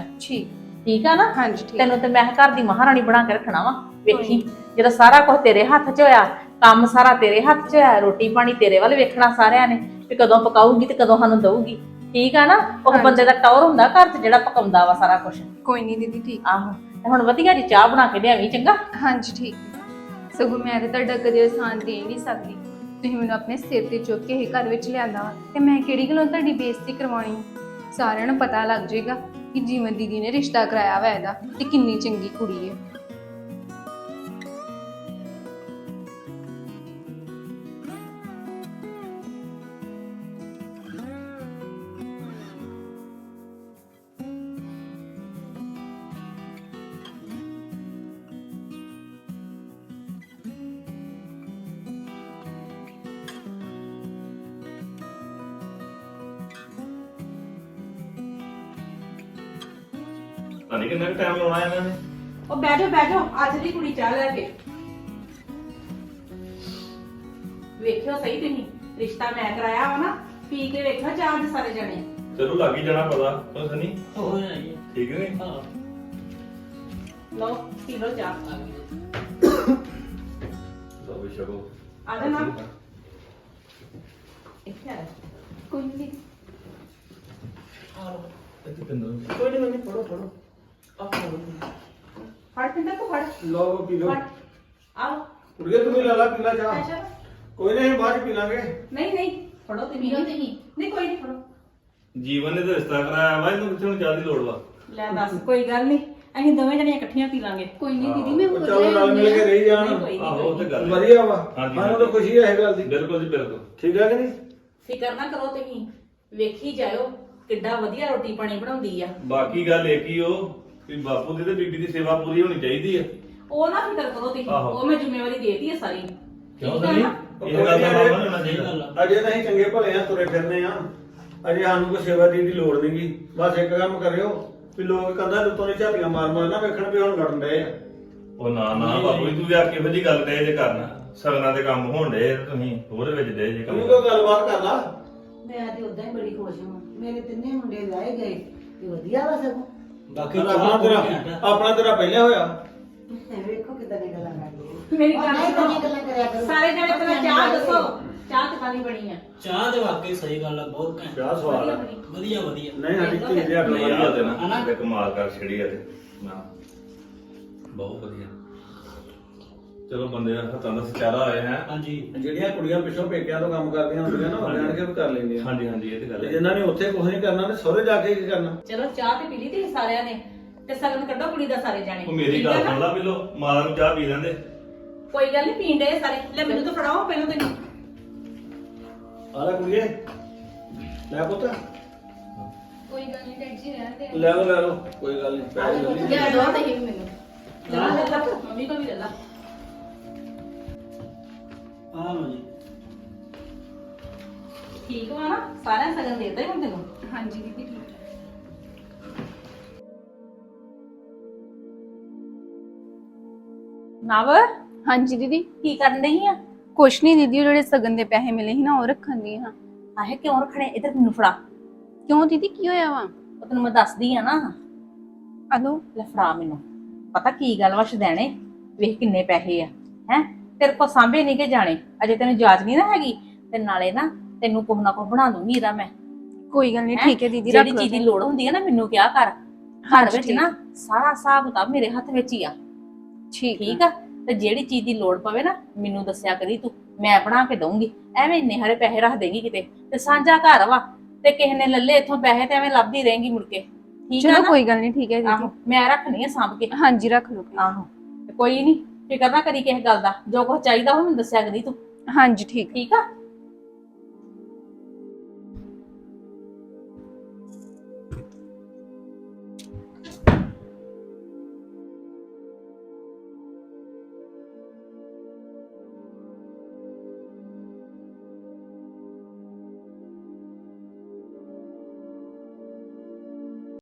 D: ਠੀਕ ਆ ਨਾ।
G: ਹਾਂਜੀ ਠੀਕ।
D: ਤੈਨੂੰ ਤੇ ਮੈਂ ਘਰ ਦੀ ਮਹਾਰਾਣੀ ਬਣਾ ਕੇ ਰੱਖਣਾ ਵਾ। ਵੇਖੀ ਜਦੋਂ ਸਾਰਾ ਕੁਝ ਤੇਰੇ ਹੱਥ 'ਚ ਹੋਇਆ, ਕੰਮ ਸਾਰਾ ਤੇਰੇ ਹੱਥ 'ਚ ਹੋਇਆ, ਰੋਟੀ ਪਾਣੀ ਤੇਰੇ ਵੱਲ ਵੇਖਣਾ ਸਾਰਿਆਂ ਨੇ ਵੀ ਕਦੋਂ ਪਕਾਊਗੀ ਤੇ ਕਦੋਂ ਸਾਨੂੰ ਦਊਗੀ, ਠੀਕ ਆ ਨਾ। ਉਹ ਬੰਦੇ ਦਾ ਟੌਰ ਹੁੰਦਾ ਘਰ 'ਚ ਜਿਹੜਾ ਪਕਾਉਂਦਾ ਵਾ ਸਾਰਾ ਕੁਝ।
G: ਕੋਈ ਨਹੀਂ ਦੀਦੀ ਠੀਕ।
D: ਆਹੋ, ਤੇ ਹੁਣ ਵਧੀਆ ਜੀ ਚਾਹ ਬਣਾ ਕੇ ਲਿਆਵੀਂ, ਚੰਗਾ।
G: ਹਾਂਜੀ ਠੀਕ। ਸਗੋਂ ਮੈਂ ਤੇ ਤੁਹਾਡਾ ਕਦੇ ਆਸਾਨ ਦੇ ਨਹੀਂ ਸਕਦੀ, ਤੁਸੀਂ ਮੈਨੂੰ ਆਪਣੇ ਸਿਰ ਤੇ ਚੁੱਕ ਕੇ ਇਹ ਘਰ ਵਿੱਚ ਲਿਆਂਦਾ ਤੇ ਮੈਂ ਕਿਹੜੀ ਗੱਲੋਂ ਤੁਹਾਡੀ ਬੇਇੱਜ਼ਤੀ ਕਰਵਾਉਣੀ? ਸਾਰਿਆਂ ਨੂੰ ਪਤਾ ਲੱਗ ਜਾਏਗਾ ਕਿ ਜੀਵਨ ਦੀਦੀ ਨੇ ਰਿਸ਼ਤਾ ਕਰਾਇਆ ਵਾ ਇਹਦਾ ਤੇ ਕਿੰਨੀ ਚੰਗੀ ਕੁੜੀ ਹੈ।
B: ਪਤਾ ਨਹੀਂ ਕਿੰਨਾ ਟਾਈਮ ਲਾਉਣਾ ਇਹਨਾਂ ਨੇ।
D: ਉਹ ਬਹਿ ਜਾਓ ਅੱਜ ਦੀ ਕੁੜੀ ਚਾਹ ਲੈ ਕੇ ਵੇਖਿਓ ਸਹੀ ਤੁਸੀਂ ਰਿਸ਼ਤਾ ਮੈਂ ਕਰਾਇਆ ਵਾ ਨਾ ਪੀ ਕੇ ਵੇਖਿਓ ਚਾਹ ਦੇ ਸਾਰੇ ਜਣੇ
B: ਚਲੋ ਲੱਗ ਹੀ ਜਾਣਾ ਪਤਾ ਬਸ ਨਹੀਂ
A: ਹੋ ਜਾਣੀ
B: ਠੀਕ ਨੇ।
A: ਹਾਂ
D: ਲਓ ਪੀ ਲਓ ਚਾਹ
B: ਲਓ ਵੀ ਛਕੋ।
D: ਆ ਜਾ ਨਾ ਇੱਥੇ ਆ
G: ਕੋਈ ਨਹੀਂ
A: ਕੋਈ ਨਹੀਂ ਮੈਨੂੰ ਫੜੋ
D: ਫੜ ਪਿੰਦਾ ਕੋ ਫੜ
C: ਲਓ ਪੀ ਲਓ
D: ਫੜ ਆਓ
C: ਕੁੜੀਏ ਤੂੰ ਵੀ ਲੈ ਲਾ ਪੀਲਾ ਚਾਹ
D: ਅੱਛਾ
C: ਕੋਈ ਨਹੀਂ ਬਾਅਦ ਚ ਪੀ ਲਾਂਗੇ।
D: ਨਹੀਂ ਫੜੋ ਤੇ
E: ਪੀਓ ਤੁਸੀਂ।
D: ਨਹੀਂ ਕੋਈ ਨਹੀਂ ਫੜੋ
B: ਜੀਵਨ ਨੇ ਤਾਂ ਰਿਸ਼ਤਾ ਕਰਾਇਆ ਵਾ ਇਹਨੂੰ ਕਿੱਥੇ ਹੁਣ ਚਾਹ ਦੀ ਲੋੜ ਵਾ।
D: ਲੈ ਦੱਸ ਕੋਈ ਗੱਲ ਨਹੀਂ ਅਸੀਂ ਦੋਵੇਂ ਜਣੀਆਂ ਇਕੱਠੀਆਂ ਪੀ ਲਾਂਗੇ
G: ਕੋਈ ਨਹੀਂ ਦੀਦੀ ਮੈਂ
C: ਉਹ
G: ਹੋਰ
C: ਚਲੋ
G: ਲੈ
C: ਨਾਲ ਮਿਲ
G: ਆਉਂਦੀ
C: ਕੇ
G: ਹਾਂ।
C: ਰਹੀ ਜਾਣ।
D: ਨਹੀਂ, ਕੋਈ
B: ਆਹੋ ਉਹ ਤੇ ਗੱਲ ਹੈ।
C: ਵਧੀਆ ਵਾ
B: ਹਾਂਜੀ,
C: ਸਾਨੂੰ ਤਾਂ ਖੁਸ਼ੀ ਹੈ ਇਹ ਗੱਲ ਦੀ।
B: ਬਿਲਕੁਲ ਜੀ ਬਿਲਕੁਲ।
C: ਠੀਕ ਹੈ ਕਿ ਨਹੀਂ?
D: ਫਿਕਰ ਨਾ ਕਰੋ ਤੁਸੀਂ ਵੇਖੀ ਜਾਇਓ ਕਿੱਡਾ ਵਧੀਆ ਰੋਟੀ ਪਾਣੀ ਬਣਾਉਂਦੀ ਆ
B: ਬਾਕੀ ਗੱਲ ਇਹ ਕੀ ਉਹ ਵੀ ਬਾਪੂ ਦੀ ਤੇ ਬੀਬੀ ਦੀ ਸੇਵਾ ਪੂਰੀ ਹੋਣੀ ਚਾਹੀਦੀ ਹੈ।
D: ਉਹ ਨਾ ਫਿਕਰ ਕਰੋ ਤੁਸੀਂ
B: ਆਹੋ।
D: ਉਹ ਮੈਂ ਜ਼ਿੰਮੇਵਾਰੀ ਦੇਤੀ ਹੈ ਸਾਰੀ
B: ਕਿਉਂ
D: ਠੀਕ ਹੈ
B: ਨਹੀਂ
D: ਨਾ?
B: ਇਹ ਗੱਲ ਦਾ ਮਾਮਾ ਨਹੀਂ ਹੋਣਾ ਚਾਹੀਦਾ।
C: ਅਜੇ ਤਾਂ ਅਸੀਂ ਚੰਗੇ ਭਲੇ ਆ ਤੁਰੇ ਫਿਰਨੇ ਆ ਅਜੇ ਸਾਨੂੰ ਕੋਈ ਸੇਵਾ ਦੀ ਲੋੜ ਨਹੀਂਗੀ। ਬਸ ਇੱਕ ਕੰਮ ਕਰਿਓ ਵੀ ਲੋਕ ਕੰਧਾਂ ਦੇ ਉੱਤੋਂ ਦੀ ਝਾਤੀਆਂ ਮਾਰ ਨਾ ਵੇਖਣ ਵੀ ਹੁਣ ਲੜਨ ਡਏ ਆ।
B: ਉਹ ਨਾ ਬਾਪੂ ਜੀ ਤੂੰ ਯਾਰ ਕਿਹੋ ਜੀ ਗੱਲ ਕਹੇ ਜੇ ਕਰਨਾ ਸਗਨਾਂ ਦੇ ਕੰਮ ਹੋਣ ਡੇ ਤੁਸੀਂ ਉਹਦੇ ਵਿੱਚ ਦੇ ਜੇ
C: ਤੂੰ
B: ਕੰਮ
C: ਕੋਈ ਗੱਲਬਾਤ ਕਰ ਲਾ।
F: ਮੈਂ ਤੇ ਉਦਾਂ ਹੀ ਬੜੀ ਖੁਸ਼ ਹਾਂ ਮੇਰੇ ਤਿੰਨੇ ਮੁੰਡੇ ਵਿਆਹੇ ਗਏ ਤੇ ਵਧੀਆ ਵਾ ਸਗੋਂ
A: ਬਾਕੀ
C: ਆਪਣਾ ਤੇਰਾ ਪਹਿਲਾਂ ਹੋਇਆ।
F: ਵੇਖੋ ਕਿਦਾਂ ਦੀ ਗੱਲਾਂ ਕਰਦੀ
D: ਮੇਰੀ ਗੱਲ
F: ਨਹੀਂ
D: ਸੁਣੋ
F: ਗੱਲਾਂ ਕਰਿਆ ਕਰੋ
D: ਸਾਰੇ ਜਣੇ ਪਹਿਲਾਂ ਚਾਹ ਦੱਸੋ ਚਾਹ ਕਿੱਦਾਂ ਦੀ ਬਣੀ ਆ
A: ਚਾਹ ਦੇ ਵਾਕਈ ਸਹੀ ਗੱਲ ਆ ਬਹੁਤ ਘੈਂਟ
C: ਚਾਹ ਸਵਾਦ ਆ।
A: ਵਧੀਆ
C: ਨਹੀਂ ਸਾਡੀ ਧੀ ਦੇ ਹੱਥ
B: ਨਹੀਂ
C: ਵਧੀਆ
B: ਆ ਤੇ
C: ਦੇਣਾ।
B: ਨਾ ਤੇ ਕਮਾਲ ਕਰ ਛੜੀ ਆ ਤੇ ਨਾ ਬਹੁਤ ਵਧੀਆ। ਚਲੋ ਬੰਦੇ ਦਾ ਹੱਥਾਂ ਦਾ ਸਚਾਰਾ ਹੋਇਆ ਹੈ।
A: ਹਾਂਜੀ
C: ਜਿਹੜੀਆਂ ਕੁੜੀਆਂ ਪਿੱਛੋਂ ਪੇਕਿਆਂ ਤੋਂ ਕੰਮ ਕਰਦੀਆਂ ਹੁੰਦੀਆਂ ਨਾ ਉਹ ਜਾਣ ਕੇ ਵੀ ਕਰ ਲੈਂਦੀਆਂ।
B: ਹਾਂਜੀ ਹਾਂਜੀ ਇਹ ਤੇ ਗੱਲ
C: ਤੇ
B: ਹੈ।
C: ਜਿਨ੍ਹਾਂ ਨੇ ਉੱਥੇ ਕੁਝ ਨਹੀਂ ਕਰਨਾ ਤੇ ਸਹੁਰੇ ਜਾ ਕੇ ਕੀ ਕਰਨਾ।
D: ਚਲੋ ਚਾਹ ਤੇ ਪੀ ਲਈ ਤੇ ਸਾਰਿਆਂ ਨੇ ਤੇ ਸਗਨ ਕੱਢੋ ਕੁੜੀ ਦਾ ਸਾਰੇ ਜਾਣੇ
B: ਉਹ ਮੇਰੀ
D: ਠੀਕ
B: ਗੱਲ
D: ਹੈ ਨਾ?
B: ਸੁਣ ਲਾ ਪਹਿਲੋ ਮਾਤਾ ਨੂੰ ਚਾਹ ਪੀ ਲੈਂਦੇ।
D: ਕੋਈ ਗੱਲ ਨਹੀਂ ਪੀਣ ਦੇ ਸਾਰੇ ਲੈ ਮੈਨੂੰ ਤਾਂ ਫੜਾਓ ਪਹਿਲਾਂ ਤੇ
C: ਆ ਲੈ ਕੁੜੀਏ ਲੈ ਪੁੱਤ
G: ਕੋਈ ਗੱਲ ਨਹੀਂ ਡੈਡ ਜੀ ਰਹਿਣ ਦੇ।
C: ਲੈ ਲਓ ਕੋਈ ਗੱਲ ਨਹੀਂ ਪੈਸੇ ਲੈ ਲਈ।
E: ਯਾਰ ਦੋ ਤੇ ਹੀ ਵੀ ਮੈਨੂੰ
D: ਲੈ ਲੈ ਮੰਮੀ ਕੋ ਵੀ ਲੈ ਲਾ
A: ਆ ਲੋ ਜੀ
D: ਠੀਕ ਵਾ ਨਾ ਸਾਰਿਆਂ ਨੂੰ ਸਗਨ ਦੇਤਾ ਹੀ ਹੁਣ ਤੈਨੂੰ
G: ਹਾਂਜੀ ਦੀਦੀ ਠੀਕ ਹੈ।
D: ਨਵ
G: ਹਾਂਜੀ ਦੀਦੀ
D: ਕੀ ਕਰਨ ਡਈ ਆ
G: ਕੁਛ ਨਹੀਂ ਦੀਦੀ ਉਹ ਜਿਹੜੇ ਸਗਨ ਦੇ ਪੈਸੇ ਮਿਲੇ ਸੀ ਨਾ ਉਹ ਰੱਖਣ ਦੀ ਹਾਂ।
D: ਆਹੇ ਕਿਉਂ ਰੱਖਣੇ ਇਧਰ ਮੈਨੂੰ ਫੜਾ
G: ਕਿਉਂ ਦੀਦੀ ਕੀ ਹੋਇਆ ਵਾ?
D: ਉਹ ਤੈਨੂੰ ਮੈਂ ਦੱਸਦੀ ਆ ਨਾ
G: ਅਲੋ
D: ਲੈ ਫੜਾ ਮੈਨੂੰ ਪਤਾ ਕੀ ਗੱਲ ਵਾ ਸ਼ਦੈਣੇ ਵੇਖ ਕਿੰਨੇ ਪੈਸੇ ਆ ਹੈ ਤੇਰੇ ਕੋ ਸਾਂਭੇ ਨਹੀਂ ਕਿ ਜਾਣੇ ਅਜੇ ਤੈਨੂੰ ਜਾਚ ਨਹੀਂ ਨਾ ਹੈਗੀ ਤੇ ਨਾਲੇ ਨਾ ਤੈਨੂੰ ਕੁਛ ਨਾ ਕੁਛ ਬਣਾ ਦੂੰਗੀ ਇਹਦਾ ਮੈਂ
G: ਕੋਈ ਗੱਲ ਨਹੀਂ ਠੀਕ ਹੈ ਦੀਦੀ ਰੱਖ
D: ਜਿਹੜੀ
G: ਲਓ
D: ਚੀਜ਼ ਦੀ
G: ਫਿਰ।
D: ਲੋੜ ਹੁੰਦੀ ਹੈ ਨਾ ਮੈਨੂੰ ਕਿਹਾ ਕਰ ਘਰ
G: ਹਾਂਜੀ,
D: ਵਿੱਚ
G: ਠੀਕ।
D: ਨਾ ਸਾਰਾ ਹਿਸਾਬ ਕਿਤਾਬ ਮੇਰੇ ਹੱਥ ਵਿੱਚ ਹੀ ਆ ਠੀਕ ਆ ਤੇ ਜਿਹੜੀ ਚੀਜ਼ ਦੀ ਲੋੜ ਪਵੇ ਨਾ ਮੈਨੂੰ ਦੱਸਿਆ ਕਰੀ ਤੂੰ ਮੈਂ ਬਣਾ ਕੇ ਦਊਂਗੀ ਐਵੇਂ ਇੰਨੇ ਹਰੇ ਪੈਸੇ ਰੱਖ ਦੇਂਗੀ ਕਿਤੇ ਤੇ ਸਾਂਝਾ ਘਰ ਵਾ ਤੇ ਕਿਸੇ ਨੇ ਲੱਲੇ ਇੱਥੋਂ ਪੈਸੇ ਤੇ ਐਵੇਂ ਲੱਭਦੀ ਰਹੇਂਗੀ ਮੁੜ ਕੇ ਠੀਕ ਆ
G: ਚਲੋ
D: ਨਾ
G: ਕੋਈ ਗੱਲ ਨਹੀਂ ਠੀਕ ਹੈ
D: ਆਹੋ
G: ਦੀਦੀ।
D: ਮੈਂ ਰੱਖਣੀ ਆ ਸਾਂਭ ਕੇ
G: ਹਾਂਜੀ ਰੱਖ ਲਓ ਫਿਰ।
D: ਆਹੋ ਤੇ ਕੋਈ ਨਹੀਂ ਫਿਕਰ ਨਾ ਕਰੀ ਕਿਸੇ ਗੱਲ ਦਾ ਜੋ ਕੁਝ ਚਾਹੀਦਾ ਉਹ ਮੈਨੂੰ ਦੱਸਿਆ ਕਰੀ ਤੂੰ
G: ਹਾਂਜੀ ਠੀਕ
D: ਠੀਕ ਆ